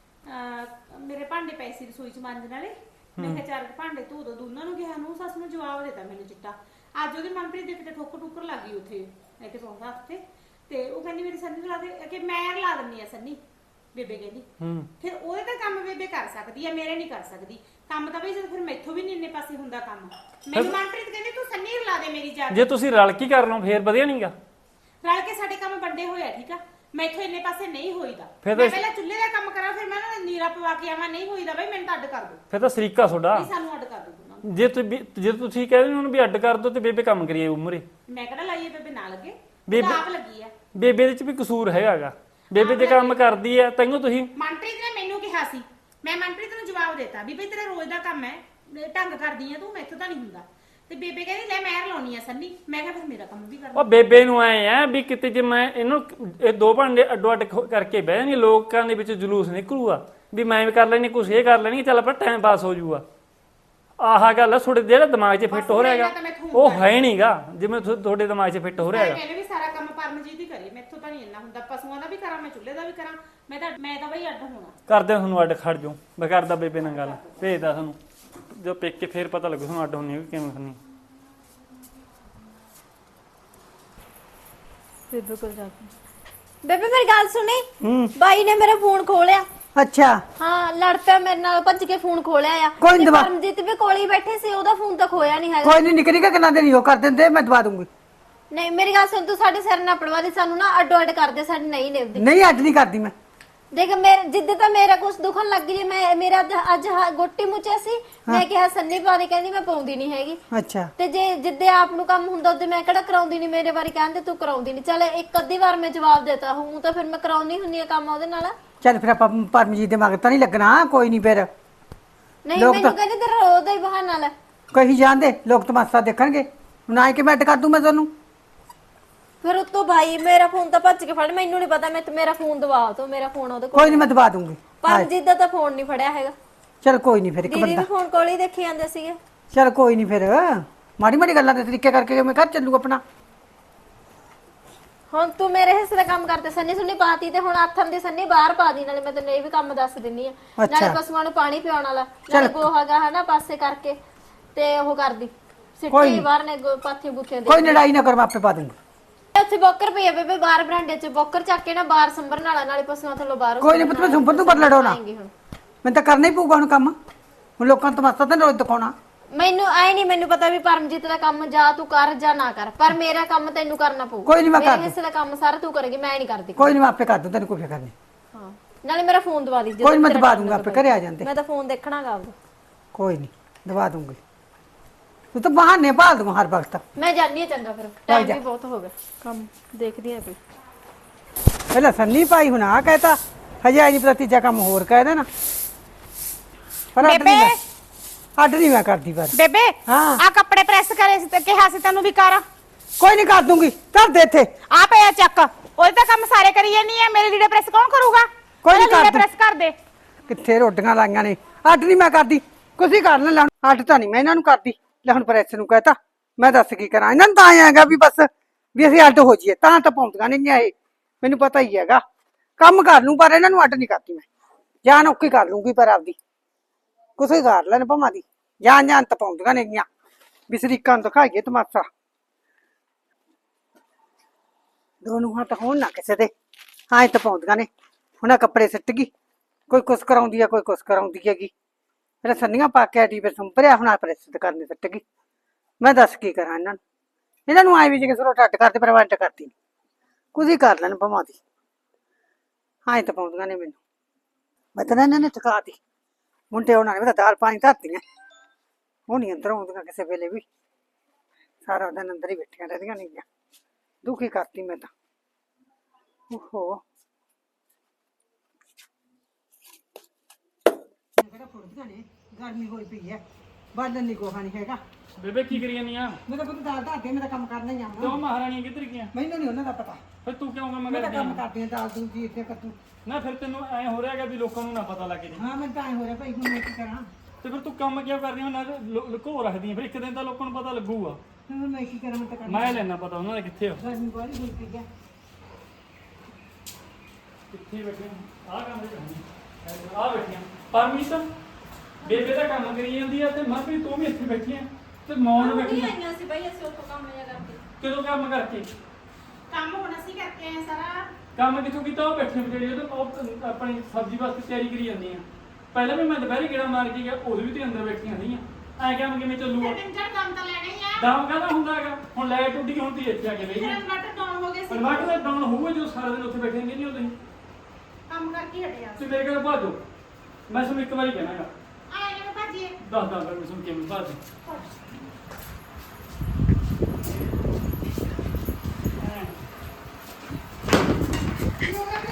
ਮੇਰੇ ਭਾਂਡੇ ਪਏ ਸੀ ਰਸੋਈ ਚ ਮਾਂਜਣ ਵਾਲੇ, ਮੈਂ ਕਿਹਾ ਚਾਰ ਭਾਂਡੇ ਧੋ ਦੋ। ਦੋਨਾਂ ਨੂੰ ਕਿਹਾ ਨੂੰ ਸੱਸ ਨੂੰ ਜਵਾਬ ਦਿੱਤਾ ਮੈਨੂੰ ਚਿੱਟਾ। ਅੱਜ ਉਹਦੀ ਮਨਪ੍ਰੀਤ ਦੇ ਕਿਤੇ ਠੋਕਰ ਟੁੱਕਰ ਲੱਗ ਗਈ ਉੱਥੇ ਇੱਥੇ ਪਹੁੰਚਾ ਹੱਥ ਤੇ ਉਹ ਕਹਿੰਦੀ ਮੇਰੀ ਸੰਨੀ ਲਾ ਦੇ ਕਿ ਮੈਂ ਲਾ ਦਿੰਨੀ ਆ ਸੰਨੀ। ਬੇਬੇ ਕਹਿੰਦੀ ਫਿਰ ਉਹਦੇ ਤਾਂ ਕੰਮ ਬੇਬੇ ਕਰ ਸਕਦੀ ਆ, ਮੇਰੇ ਨਹੀਂ ਕਰ ਸਕਦੀ ਕੰਮ ਤਾਂ ਬਈ। ਜਦੋਂ ਫਿਰ ਮੈਥੋਂ ਵੀ ਨਹੀਂ ਇੰਨੇ ਪਾਸੇ ਹੁੰਦਾ ਕੰਮ। ਮੈਨੂੰ ਮਨਪ੍ਰੀਤ ਕਹਿੰਦੀ ਤੂੰ ਸੰਨੀ ਲਾ ਦੇ ਮੇਰੀ ਜਾ ਕੇ।
ਜੇ ਤੁਸੀਂ ਰਲ ਕੇ ਕਰ ਲਓ ਫੇਰ ਵਧੀਆ ਨਹੀਂਗਾ।
ਰਲ ਕੇ ਸਾਡੇ ਕੰਮ ਵੱਡੇ ਹੋਇਆ ਠੀਕ ਆ, ਮੈਥੋਂ ਇੰਨੇ ਪਾਸੇ ਨਹੀਂ ਹੋਈਦਾ।
ਫਿਰ
ਮੈਂ ਪਹਿਲਾਂ ਚੁੱਲ੍ਹੇ ਦਾ ਕੰਮ ਕਰਾਂ ਫਿਰ ਮੈਂ ਨਾ ਨੀਰਾ ਪਵਾ ਕੇ ਆਵਾਂ, ਨਹੀਂ ਹੋਈਦਾ ਬਈ ਮੈਨੂੰ ਤਾਂ ਅੱਡ ਕਰ ਦੋ।
ਫਿਰ ਤਾਂ ਸਰੀਕਾ ਤੁਹਾਡਾ।
ਨਹੀਂ ਸਾਨੂੰ ਅੱਡ ਕਰ ਦੋ ਦੋਨਾਂ ਨੂੰ।
ਜੇ ਤੁਸੀਂ ਕਹਿੰਦੇ ਉਹਨੂੰ ਵੀ ਅੱਡ ਕਰ ਦੋ ਤੇ ਬੇਬੇ ਕੰਮ ਕਰੀਏ ਉਮਰੇ।
ਮੈਂ ਕਿਹੜਾ ਲਾਈਏ ਬੇਬੇ ਨਾ ਲੱਗੇ,
ਬੇਬੇ-
ਤਾਂ ਆਪ ਲੱਗੀ ਆ।
ਬੇਬੇ ਦੇ ਚ ਵੀ ਕਸੂਰ ਹੈਗਾਗਾ। ਬੇਬੇ ਜੇ ਕੰਮ ਕਰਦੀ ਆ ਤੈਨੂੰ ਤੁਸੀਂ।
ਮਨਪ੍ਰੀਤ ਨੇ ਮੈਨੂੰ ਕਿਹਾ ਸੀ, ਮੈਂ ਮਨਪ੍ਰੀਤ ਨੂੰ ਜਵਾਬ ਦਿੱਤਾ ਵੀ ਬਈ ਤੇਰਾ ਰੋਜ਼ ਦਾ ਕੰਮ ਹੈ, ਢੰਗ ਕਰਦੀ ਆ ਤੂੰ, ਮੈਥੋਂ ਤਾਂ ਨਹੀਂ ਹੁੰਦਾ। ਤੇ ਬੇਬੇ ਕਹਿੰਦੀ ਲੈ ਮੈਂ ਲਾਉਣੀ ਆ ਸੰਨੀ। ਮੈਂ ਕਿਹਾ ਫਿਰ ਮੇਰਾ ਕੰਮ ਵੀ ਕਰਨਾ।
ਉਹ ਬੇਬੇ ਨੂੰ ਆਏ ਆ ਵੀ ਕਿਤੇ ਜੇ ਮੈਂ ਇਹਨੂੰ ਇਹ ਦੋ ਭਾਂਡੇ ਅੱਡੋ ਅੱਡ ਕਰਕੇ ਬਹਿ ਜਾਣਗੇ, ਲੋਕਾਂ ਦੇ ਵਿੱਚ ਜਲੂਸ ਨਿਕਲੂਗਾ ਵੀ ਮੈਂ ਵੀ ਕਰ ਲੈਣੀ, ਕੁਛ ਇਹ ਕਰ ਲੈਣੀ, ਚੱਲ ਆਪਣਾ ਟਾਈਮ ਪਾਸ ਹੋ ਜਾਊਗਾ। ਆਹ ਗੱਲ ਆ ਤੁਹਾਡੇ ਜਿਹੜਾ ਦਿਮਾਗ 'ਚ ਫਿੱਟ ਹੋ ਰਿਹਾਗਾ, ਉਹ ਹੈ ਨਹੀਂਗਾ ਜਿਵੇਂ ਤੁਹਾਡੇ ਦਿਮਾਗ 'ਚ ਫਿੱਟ ਹੋ ਰਿਹਾਗਾ।
ਮੈंने ਵੀ ਸਾਰਾ ਕੰਮ ਪਰਮਜੀਤ ਹੀ ਕਰੀ, ਮੈਥੋਂ ਤਾਂ ਨਹੀਂ ਇੰਨਾ ਹੁੰਦਾ। ਪਸ਼ੂਆਂ ਦਾ ਵੀ ਕਰਾਂ, ਮੈਂ ਚੁੱਲ੍ਹੇ ਦਾ ਵੀ ਕਰਾਂ, ਮੈਂ ਤਾਂ ਬਈ ਅੱਡ ਹੋਣਾ।
ਕਰਦੇ ਤੁਹਾਨੂੰ ਅੱਡ ਖੜ ਜਾਓ। ਮੈਂ ਕਰਦਾ ਬੇਬੇ ਨਾਲ ਗੱਲ, ਭੇਜਦਾ ਤੁਹਾਨੂੰ ਜੋ ਪੇਕ ਕੇ ਫੇਰ ਪਤਾ ਲੱਗੂ ਤੁਹਾਨੂੰ ਅੱਡ ਹੋਣੀ ਕਿ ਕਿਵੇਂ ਕਰਨੀ।
ਬੇਬੇ ਕੋਲ ਜਾ ਕੇ ਬੇਬੇ ਮੇਰੀ ਗੱਲ ਸੁਣੀ। ਬਾਈ ਨੇ ਮੇਰਾ ਫੋਨ ਖੋਲਿਆ।
ਅੱਛਾ
ਹਾਂ ਲੜ ਪਿਆ ਮੇਰੇ ਨਾਲ, ਭੱਜ ਕੇ ਫੋਨ ਖੋਲਿਆ ਆ।
ਕੋਈ ਨੀ
ਤੇ
ਦਵਾ-
ਪਰਮਜੀਤ ਵੀ ਕੋਲ ਹੀ ਬੈਠੇ ਸੀ, ਉਹਦਾ ਫੋਨ ਤਾਂ ਖੋਇਆ ਨਹੀਂ ਹੈਗਾ।
ਕੋਈ ਨਹੀਂ ਨਿਕਲੀ ਕਿ ਕਿੰਨਾ ਦੇ ਨਹੀਂ ਉਹ ਕਰ ਦਿੰਦੇ, ਮੈਂ ਦਵਾ ਦੂੰਗੀ।
ਨਹੀਂ ਮੇਰੀ ਗੱਲ ਸੁਣ, ਤੂੰ ਸਾਡੇ ਸਿਰ ਨਾ ਪੜਵਾ ਦੇ, ਸਾਨੂੰ ਨਾ ਅੱਡੋ ਅੱਡ ਕਰਦੇ, ਸਾਡੀ ਨਹੀਂ ਨਿਭਦੀ।
ਨਹੀਂ ਅੱਜ ਨਹੀਂ ਕਰਦੀ ਮੈਂ।
ਦੇਖ ਮੇਰੇ ਜਿੱਦ ਤਾਂ ਮੇਰਾ ਕੁਝ ਦੁਖਣ ਲੱਗ ਜੇ, ਮੈਂ ਮੇਰਾ ਅੱਜ ਗੋਟੀ ਮੁੱਚਿਆ ਸੀ, ਮੈਂ ਕਿਹਾ ਸੰਨੀ ਪਾ ਦੇ, ਕਹਿੰਦੀ ਮੈਂ ਪਾਉਂਦੀ ਨਹੀਂ ਹੈਗੀ।
ਅੱਛਾ
ਤੇ ਜੇ ਜਿੱਦੇ ਆਪ ਨੂੰ ਕੰਮ ਹੁੰਦਾ ਉਹਦੇ ਮੈਂ ਕਿਹੜਾ ਕਰਾਉਂਦੀ ਨਹੀਂ, ਮੇਰੇ ਵਾਰੀ ਕਹਿੰਦੇ ਤੂੰ ਕਰਾਉਂਦੀ ਨਹੀਂ। ਚੱਲ ਇੱਕ ਅੱਧੀ ਵਾਰ ਮੈਂ ਜਵਾਬ ਦੇਤਾ ਹੂੰ, ਤਾਂ ਫਿਰ ਮੈਂ ਕਰਾਉਂਦੀ ਹੁੰਨੀ ਆ ਕੰਮ ਉਹਦੇ ਨਾਲ।
ਚੱਲ ਫਿਰ ਆਪਾਂ ਪਰਮਜੀਤ ਦੇ ਮਗਰ ਤਾਂ ਨਹੀਂ ਲੱਗਣਾ। ਕੋਈ ਨਹੀਂ ਫਿਰ
ਨਹੀਂ
ਲੋਕ
ਮੈਨੂੰ
ਤਾਂ-
ਕਹਿੰਦੇ ਤੇਰਾ ਉਹਦਾ ਹੀ ਬਹਾਨਾ ਲੈ।
ਕਹੀ ਜਾਂਦੇ ਲੋਕ ਤਮਾਸ਼ਾ ਦੇਖਣਗੇ। ਹੁਣ ਆਏ ਕਿ ਮੈਂ ਅੱਡ ਕਰ ਦੂੰ ਮੈਂ ਤੁਹਾਨੂੰ।
ਫਿਰ ਉਤੋਂ ਭਾਈ ਮੇਰਾ ਫੋਨ ਤਾਂ ਭੱਜ ਕੇ ਫੜ, ਮੈਨੂੰ ਨਹੀਂ ਪਤਾ, ਮੈਂ ਮੇਰਾ ਫੋਨ ਦਵਾ ਤੋ, ਮੇਰਾ ਫੋਨ ਉਹਦੇ ਕੋਲ।
ਕੋਈ ਨਹੀਂ ਮੈਂ ਦਵਾ ਦੂੰਗੀ।
ਪਰਮਜੀਤ ਦਾ ਤਾਂ ਫੋਨ ਨਹੀਂ ਫੜਿਆ ਹੈਗਾ।
ਚਲ ਕੋਈ ਨਹੀਂ ਫਿਰ ਇੱਕ
ਦੀਦੀ
ਬੰਦਾ।
ਵੀ ਫੋਨ ਕੋਲ ਹੀ ਦੇਖੀ ਜਾਂਦੇ ਸੀਗੇ।
ਚਲ ਕੋਈ ਨਹੀਂ ਫਿਰ ਮਾੜੀ ਮਾੜੀ ਗੱਲਾਂ ਦੇ ਤਰੀਕੇ ਕਰਕੇ ਮੈਂ ਘਰ ਚੱਲੂ ਆਪਣਾ।
ਹੁਣ ਤੂੰ ਮੇਰੇ ਹਿੱਸੇ ਦਾ ਕੰਮ ਕਰਦੇ, ਸੰਨੀ ਸੁੰਨੀ ਪਾਤੀ ਤੇ ਹੁਣ ਆਥਣ ਦੀ ਸੰਨੀ ਬਾਹਰ ਪਾ ਦੀ, ਨਾਲੇ ਮੈਂ ਤੈਨੂੰ ਇਹ ਵੀ ਕੰਮ ਦੱਸ ਦਿੰਨੀ ਆ। ਨਾਲੇ ਪਸ਼ੂਆਂ ਨੂੰ ਪਾਣੀ ਪਿਆਉਣ ਵਾਲਾ, ਨਾਲੇ ਗੋਹਾਗਾ ਹਨਾ ਪਾਸੇ ਕਰਕੇ ਤੇ ਉਹ ਕਰਦੀ ਸਿੱਟੀ ਬਾਹਰ ਨੇ ਪਾਥੀ ਬੁੱਥੇ ਦੇ।
ਕੋਈ ਲੜਾਈ ਨਾ ਕਰ, ਮੈਂ ਆਪੇ ਪਾ ਦੂੰਗੀ।
ਉੱਥੇ ਬੋਕਰ ਪਈ ਆ ਬੇਬੇ ਬਾਹਰ ਬਰਾਂਡੇ 'ਚ, ਬੋਕਰ ਚੱਕ ਕੇ ਨਾ ਬਾਹਰ ਸੰਭਰਨ ਵਾਲਾ, ਨਾਲੇ ਪਸ਼ੂਆਂ ਥੱਲੋਂ ਬਾਹਰ।
ਕੋਈ ਨਹੀਂ ਪੁੱਤ ਮੈਂ ਸੁੰਪਰ ਨੂੰ ਪਰ ਲੜਾਉਣਾ, ਮੈਨੂੰ ਤਾਂ ਕਰਨਾ ਹੀ ਪਊਗਾ ਹੁਣ ਕੰਮ। ਹੁਣ ਲੋਕਾਂ ਨੂੰ ਤਮਾਸ਼ਾ ਤਾਂ ਰੋਜ਼ ਦਿਖਾਉਣਾ।
ਮੈਨੂੰ ਆਏ ਨਹੀਂ, ਮੈਨੂੰ ਪਤਾ ਵੀ ਪਰਮਜੀਤ ਦਾ ਕੰਮ ਜਾਂ ਤੂੰ ਕਰ ਜਾਂ ਨਾ ਕਰ, ਪਰ ਮੇਰਾ ਕੰਮ ਤੈਨੂੰ ਕਰਨਾ ਪਊ।
ਕੋਈ ਨਹੀਂ ਮੈਂ ਕਰ
ਮੇਰੇ
ਦੂੰ।
ਹਿੱਸੇ ਦਾ ਕੰਮ ਸਾਰਾ ਤੂੰ ਕਰੇਗੀ, ਮੈਂ ਨਹੀਂ ਕਰਦੀ।
ਕੋਈ ਨਹੀਂ ਮੈਂ ਆਪੇ ਕਰ ਦੂੰ, ਤੈਨੂੰ ਕੋਈ ਫਿਕਰ ਨਹੀਂ।
ਹਾਂ ਨਾਲੇ ਮੇਰਾ ਫੋਨ ਦਵਾ ਦੀ।
ਕੋਈ ਨੀ ਮੈਂ ਦਵਾ ਦੂੰਗਾ, ਆਪੇ ਘਰੇ ਆ ਜਾਂਦੇ।
ਮੈਂ ਤਾਂ ਫੋਨ ਦੇਖਣਾਗਾ ਆਪਦਾ।
ਕੋਈ ਨਹੀਂ ਦਵਾ ਦੂੰਗੀ। ਤੂੰ ਤਾਂ ਬਹਾਨੇ ਭਾਲ ਦੂੰ ਹਰ ਵਕਤ।
ਮੈਂ ਜਾਣੀ ਆ, ਚੰਗਾ ਫਿਰ ਟਾਈਮ ਵੀ ਬਹੁਤ ਹੋ ਗਿਆ, ਕੰਮ ਦੇਖਦੀ ਆ ਕੋਈ।
ਪਹਿਲਾਂ ਸੰਨੀ ਪਾਈ ਹੁਣ ਆ ਕਹਿਤਾ, ਹਜੇ ਆਈ ਨਹੀਂ ਪਤਾ ਤੀਜਾ ਕੰਮ ਹੋਰ ਕਹਿ ਦੇਣਾ। ਪਰ ਅੱਡ ਨਹੀਂ ਮੈਂ ਕਰਦੀ ਪਰ।
ਬੇਬੇ
ਹਾਂ।
ਆ ਕੱਪੜੇ ਪ੍ਰੈਸ ਕਰੇ ਸੀ ਤੇ ਕਿਹਾ ਸੀ ਤੈਨੂੰ ਵੀ ਕਰ।
ਕੋਈ ਨਹੀਂ ਕਰ ਦੂੰਗੀ, ਧਰ ਦੇ ਇੱਥੇ।
ਆ ਪਿਆ ਚੱਕ, ਉਹਦੇ ਤਾਂ ਕੰਮ ਸਾਰੇ ਕਰੀ ਜਾਨੀ ਆ, ਮੇਰੇ ਲੀੜੇ ਪ੍ਰੈਸ ਕੌਣ ਕਰੂਗਾ?
ਕੋਈ ਨੀ
ਲੀੜੇ
ਕਰ ਦੂੰ।
ਪ੍ਰੈਸ ਕਰ ਦੇ।
ਕਿੱਥੇ ਰੋਟੀਆਂ ਲਾਈਆਂ ਨੇ, ਅੱਡ ਨਹੀਂ ਮੈਂ ਕਰਦੀ। ਕੁਛ ਕਰ ਲੈ, ਅੱਡ ਤਾਂ ਨਹੀਂ ਮੈਂ ਇਹਨਾਂ ਨੂੰ ਕਰਦੀ। ਲੈ ਹੁਣ ਪ੍ਰੈਸ ਨੂੰ ਕਹਤਾ, ਮੈਂ ਦੱਸ ਕੀ ਕਰਾਂ। ਇਹਨਾਂ ਨੂੰ ਤਾਂ ਆਇਆ ਹੈਗਾ ਵੀ ਬਸ ਵੀ ਅਸੀਂ ਅੱਡ ਹੋ ਜਾਈਏ, ਤਾਂ ਪਾਉਂਦੀਆਂ ਨਹੀਂ ਇਹ, ਮੈਨੂੰ ਪਤਾ ਹੀ ਹੈਗਾ। ਕੰਮ ਕਰ ਲੂੰ ਪਰ ਇਹਨਾਂ ਨੂੰ ਅੱਡ ਨਹੀਂ ਕਰਦੀ ਮੈਂ। ਜਾਨ ਔਖੀ ਕਰ ਲੂੰਗੀ ਪਰ ਆਪਦੀ, ਕੁਛ ਹੀ ਕਰ ਲੈਣ ਭਾਵਾਂ ਦੀ। ਜਾਨ ਤਾਂ ਪਾਉਂਦੀਆਂ ਨੇਗੀਆਂ ਵੀ ਸ਼ਰੀਕਾਂ ਨੂੰ ਦਿਖਾਈਏ ਤਮਾਸ਼ਾ। ਦੋਨੋਂ ਹੱਥ ਹੋਣ ਨਾ ਕਿਸੇ ਦੇ, ਹਾਂ ਇਹ ਤਾਂ ਪਾਉਂਦੀਆਂ ਨੇ। ਹੁਣ ਆਹ ਕੱਪੜੇ ਸਿੱਟ ਗਈ, ਕੋਈ ਕੁਛ ਕਰਾਉਂਦੀ ਆ, ਕੋਈ ਕੁਛ ਕਰਾਉਂਦੀ ਹੈਗੀ। ਫਿਰ ਸੰਨੀਆਂ ਪਾ ਕੇ ਆਟੀ ਫਿਰ ਸੰਭਰਿਆ, ਹੁਣ ਆ ਪ੍ਰੈਸ ਤੇ ਕਰਨੀ ਸਿੱਟ ਗਈ। ਮੈਂ ਦੱਸ ਕੀ ਕਰਾਂ ਇਹਨਾਂ ਨੂੰ। ਇਹਨਾਂ ਨੂੰ ਆਏ ਵੀ ਜੇ ਕਿਸੇ ਨੂੰ ਟੱਟ ਕਰਦੇ, ਪਰ ਮੈਂ ਅੱਡ ਕਰਦੀ ਨੀ। ਕੁਝ ਹੀ ਕਰ ਲੈਣ ਭਾਵਾਂ ਦੀ, ਹਾਂ ਇਹ ਤਾਂ ਪਾਉਂਦੀਆਂ ਨੇ ਮੈਨੂੰ। ਮੈਂ ਤਾਂ ਇਹਨਾਂ ਨੇ ਥਕਾਤੀ। ਮੁੰਡੇ ਉਹਨਾਂ ਨੇ ਮੈਂ ਤਾਂ ਦਾਲ ਪਾਣੀ ਧਰਤੀਆਂ, ਉਹ ਨਹੀਂ ਅੰਦਰ ਆਉਂਦੀਆਂ ਕਿਸੇ ਵੇਲੇ ਵੀ। ਸਾਰਾ ਦਿਨ ਅੰਦਰ ਹੀ ਬੈਠੀਆਂ ਰਹਿੰਦੀਆਂ ਨੇਗੀਆਂ। ਦੁਖੀ ਕਰਤੀ ਮੈਂ ਤਾਂ। ਓਹੋ ਗਰਮੀ ਹੋਈ ਪਈ ਹੈ, ਬਾਲਣ ਨਹੀਂ ਗੋਹਾ ਨਹੀਂ ਹੈਗਾ।
ਬੇਬੇ ਕੀ ਕਰੀ ਜਾਂਦੀ ਆ?
ਮੇਰਾ ਪੁੱਤ ਦਾਲ ਧਰ ਦੇ, ਮੇਰਾ ਕੰਮ ਕਰਨਾ ਹੀ ਆ।
ਕਿਉਂ ਮਹਾਰਾਣੀ ਕਿੱਧਰ ਗਈਆਂ?
ਮੈਨੂੰ ਨਹੀਂ ਉਹਨਾਂ ਦਾ ਪਤਾ।
ਫਿਰ ਤੂੰ ਕਿਉਂ ਕੰਮ
ਮੈਂ ਤਾਂ
ਕਰਦੀ
ਕੰਮ
ਆ?
ਕਰਦੀ ਆ, ਦਾਲ ਦੂਲ ਜੀ ਇੱਥੇ ਕੱਟੂ।
ਨਾ ਫਿਰ ਤੈਨੂੰ ਐ ਹੋ ਰਿਹਾ ਹੈਗਾ ਵੀ ਲੋਕਾਂ ਨੂੰ ਨਾ ਪਤਾ ਲੱਗੇ ਜੀ।
ਹਾਂ ਮੈਨੂੰ ਤਾਂ ਐ ਹੋ ਰਿਹਾ ਭਾਈ, ਹੁਣ ਮੈਂ ਕੀ ਕਰਾਂ।
ਤੇ ਫਿਰ ਤੂੰ ਕੰਮ ਕਿਉਂ ਕਰਦੀ ਆ? ਨਾ ਲੁਕੋ ਰੱਖਦੀ ਆ, ਫਿਰ ਇੱਕ ਦਿਨ ਤਾਂ ਲੋਕਾਂ ਨੂੰ ਪਤਾ ਲੱਗੂਗਾ।
ਹੁਣ ਮੈਂ ਕੀ ਕਰਾਂ, ਮੈਂ ਤਾਂ ਕਰਨਾ।
ਮੈਂ ਲੈਣਾ ਪਤਾ ਉਹਨਾਂ ਨੇ ਕਿੱਥੇ ਆ,
ਗਰਮੀ ਬਹੁਤ ਹੋਈ ਪਈ ਹੈ।
ਕਿੱਥੇ ਬੈਠੇ ਆ ਕੰਮ ਦੇ ਕਰਨੀ ਆ ਬੈਠੀਆਂ। ਪਰਮੀਤ ਬੇਬੇ ਦਾ ਕੰਮ ਕਰੀ ਜਾਂਦੀ ਆ ਤੇ ਮਨਪ੍ਰੀਤ ਤੂੰ ਵੀ ਇੱਥੇ ਬੈਠੀ ਆ ਤੇ ਮੌਨ ਬੈਠੀ ਆ।
ਆਈਆਂ ਸੀ ਬਈ ਅਸੀਂ ਉੱਥੋਂ ਕੰਮ ਜਿਹਾ ਕਰਕੇ।
ਕਦੋਂ ਕੰਮ ਕਰਕੇ?
ਕੰਮ ਹੁਣ ਅਸੀਂ ਕਰਕੇ ਆਏ ਸਾਰਾ।
ਕੰਮ ਕਿੱਥੋਂ ਕੀਤਾ? ਉਹ ਬੈਠੇ ਵਿਚਾਰੀ ਉਹ ਆਪਣੀ ਸਬਜ਼ੀ ਵਾਸਤੇ ਤਿਆਰੀ ਕਰੀ ਜਾਂਦੀ ਆ। ਪਹਿਲਾਂ ਵੀ ਮੈਂ ਦੁਪਹਿਰੇ ਗੇੜਾ ਮਾਰ ਕੇ ਗਿਆ, ਉਦੋਂ ਵੀ ਤੇ ਅੰਦਰ ਬੈਠੀਆਂ ਸੀਗੀਆਂ। ਐ ਕਿਵੇਂ ਚੱਲੂਗਾ?
ਤਿੰਨ ਚਾਰ ਕੰਮ ਤਾਂ ਲੈਣੇ ਹੀ ਆ।
ਦਾਮ ਕਾਹਦਾ ਹੁੰਦਾ ਹੈਗਾ? ਹੁਣ ਲਾਈਟ ਉੱਡ ਗਈ, ਹੁਣ ਤੀ ਇੱਥੇ ਆ ਕੇ ਬਹਿ ਗਈ।
ਇਨਵਰਟਰ ਡਾਊਨ ਹੋ ਗਏ ਸੀ,
ਇਨਵਰਟਰ ਦਾ ਡਾਊਨ ਹੋਊਗਾ ਜੋ ਸਾਰਾ ਦਿਨ ਉੱਥੇ ਬੈਠੇ ਨਹੀਂ ਹੁੰਦੇ।
ਕੰਮ ਕਰਕੇ ਹਟਿਆ।
ਤੇ ਮੇਰੇ ਕੋਲ ਭਾਜੋ, ਮੈਂ ਤੁਹਾਨੂੰ ਇੱਕ ਵਾਰੀ ਕਹਿਣਾਗਾ।
ਆਏ ਨੇ ਭਾਜੀਏ।
ਦੱਸ ਮੈਂ ਤੁਹਾਨੂੰ ਕਿਵੇਂ ਭਾਜੋ।
ਕੀ ਹੋ ਗਿਆ?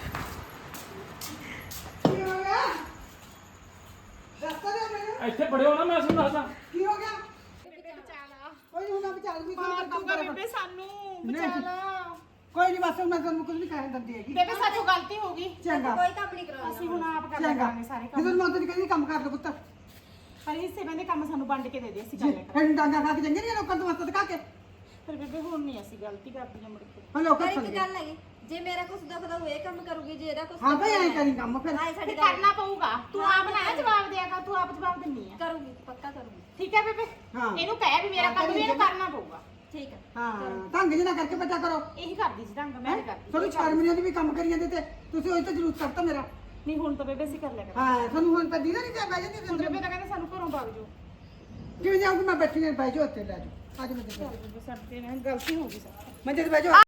ਕੀ ਹੋ ਗਿਆ? ਦੱਸ ਤਾਂ ਦੇ ਮੈਨੂੰ।
ਇੱਥੇ ਬੜਿਓ ਨਾ, ਮੈਂ ਤੁਹਾਨੂੰ ਦੱਸਦਾ।
ਕੀ ਹੋ ਗਿਆ?
ਬੇਬੇ ਬਚਾ
ਕੋਈ ਹੁਣ ਮੈਂ ਵਿਚਾਰ ਵੀ
ਮਾਰ ਦੂੰਗਾ ਬੇਬੇ ਸਾਨੂੰ, ਬਚਾ ਲਾ।
ਕੋਈ ਨਹੀਂ, ਬਸ ਮੈਂ ਤੁਹਾਨੂੰ ਕੁਝ ਨਹੀਂ ਕਹਿਣ ਦਿੰਦੀ ਹੈਗੀ।
ਬੇਬੇ ਸਾਡੀ ਗਲਤੀ ਹੋ ਗਈ,
ਚੰਗਾ
ਕੋਈ ਕੰਮ ਨਹੀਂ ਕਰਾਉਣਾ।
ਅਸੀਂ ਹੁਣ ਆਪ ਕਰ
ਚੰਗਾ,
ਲਾਂਗੇ ਸਾਰੇ ਕੰਮ।
ਜਦੋਂ ਮੈਂ ਤੈਨੂੰ ਕਹਿੰਦੀ ਕੰਮ ਕਰ ਲੈ ਪੁੱਤ।
ਪਰ ਹਿੱਸੇ ਬੰਦੇ ਕੰਮ ਸਾਨੂੰ ਵੰਡ ਕੇ ਦੇ ਦੇ, ਅਸੀਂ ਕਰ ਲਿਆ
ਫਿਰ ਡਾਂਗਾ ਖਾ ਕੇ ਚੰਗੇ ਨਹੀਂ ਲੋਕਾਂ ਤੋਂ ਮਸਤ ਕਾ ਕੇ।
ਪਰ ਬੇਬੇ ਹੁਣ ਨਹੀਂ ਅਸੀਂ ਗਲਤੀ ਕਰਦੀਆਂ ਮੁੜ ਕੇ।
ਹਾਂ ਲੋਕਾਂ
ਪਰ
ਸੁਣ
ਇੱਕ ਗੱਲ ਹੈਗੀ, ਜੇ ਮੇਰਾ ਕੁਝ ਦੁਖਦਾ ਹੋਏ ਕੰਮ ਕਰੂਗੀ, ਜੇ ਇਹਦਾ ਕੁਝ
ਹਾਂ ਭਾਈ ਐਂ ਕਰੀ ਕੰਮ ਫਿਰ।
ਹਾਂ ਸਾਡੀ
ਫਿਰ ਕਰਨਾ ਪਊਗਾ, ਤੂੰ ਆਪ ਨਾ ਜਵਾਬ ਦਿਆ ਕਰ, ਤੂੰ ਆਪ ਜਵਾਬ ਦਿੰਨੀ ਆ।
ਕਰੂਗੀ, ਪੱਕਾ ਕਰੂਗੀ।
ਠੀਕ ਹੈ ਬੇਬੇ,
ਹਾਂ।
ਇਹਨੂੰ ਕਹਿ ਵੀ ਮੇਰਾ ਕੰਮ ਵੀ ਇਹਨੂੰ ਕਰਨਾ ਪਊਗਾ।
ਠੀਕ ਹੈ।
ਹਾਂ ਢੰਗ ਜਿਹਾ ਕਰਕੇ ਬੱਚਾ ਕਰੋ।
ਇਹੀ ਕਰਦੀ ਸੀ ਢੰਗ, ਮੈਂ ਨਹੀਂ ਕਰਦੀ।
ਤੁਹਾਨੂੰ ਸ਼ਰਮੀਆਂ ਦੀ ਵੀ ਕੰਮ ਕਰੀ ਜਾਂਦੇ ਤੇ ਤੁਸੀਂ ਉਹੀ ਤਾਂ ਜ਼ਰੂਰ ਕਰਤਾ ਮੇਰਾ।
ਨਹੀਂ ਹੁਣ ਤਾਂ ਬੇਬੇ ਅਸੀਂ ਕਰ ਲਿਆ ਕਰ।
ਹਾਂ ਤੁਹਾਨੂੰ ਹੁਣ ਤਾਂ ਦੀਦਾ ਨਹੀਂ ਤੇ ਬਹਿ ਜਾਂਦੀ
ਹੁਣ
ਅੰਦਰ।
ਬੇਬੇ ਤਾਂ ਕਹਿੰਦੇ ਸਾਨੂੰ ਘਰੋਂ ਭੱਜ ਜਾਓ।
ਕਿਵੇਂ ਜਾਊਂਗੀ ਮੈਂ? ਬੈਠੀ ਨੇ ਬਹਿ ਜਾਓ ਉੱਥੇ, ਲੈ ਜਾਓ। ਅੱਜ ਮੈਂ
ਚੱਲ ਬੇਬੇ ਸਾਡੇ ਨਾਲ ਗਲਤੀ ਹੋ ਗਈ ਸਾਡੀ।
ਮੈਂ ਜਦ ਬਹਿ ਜਾਓ।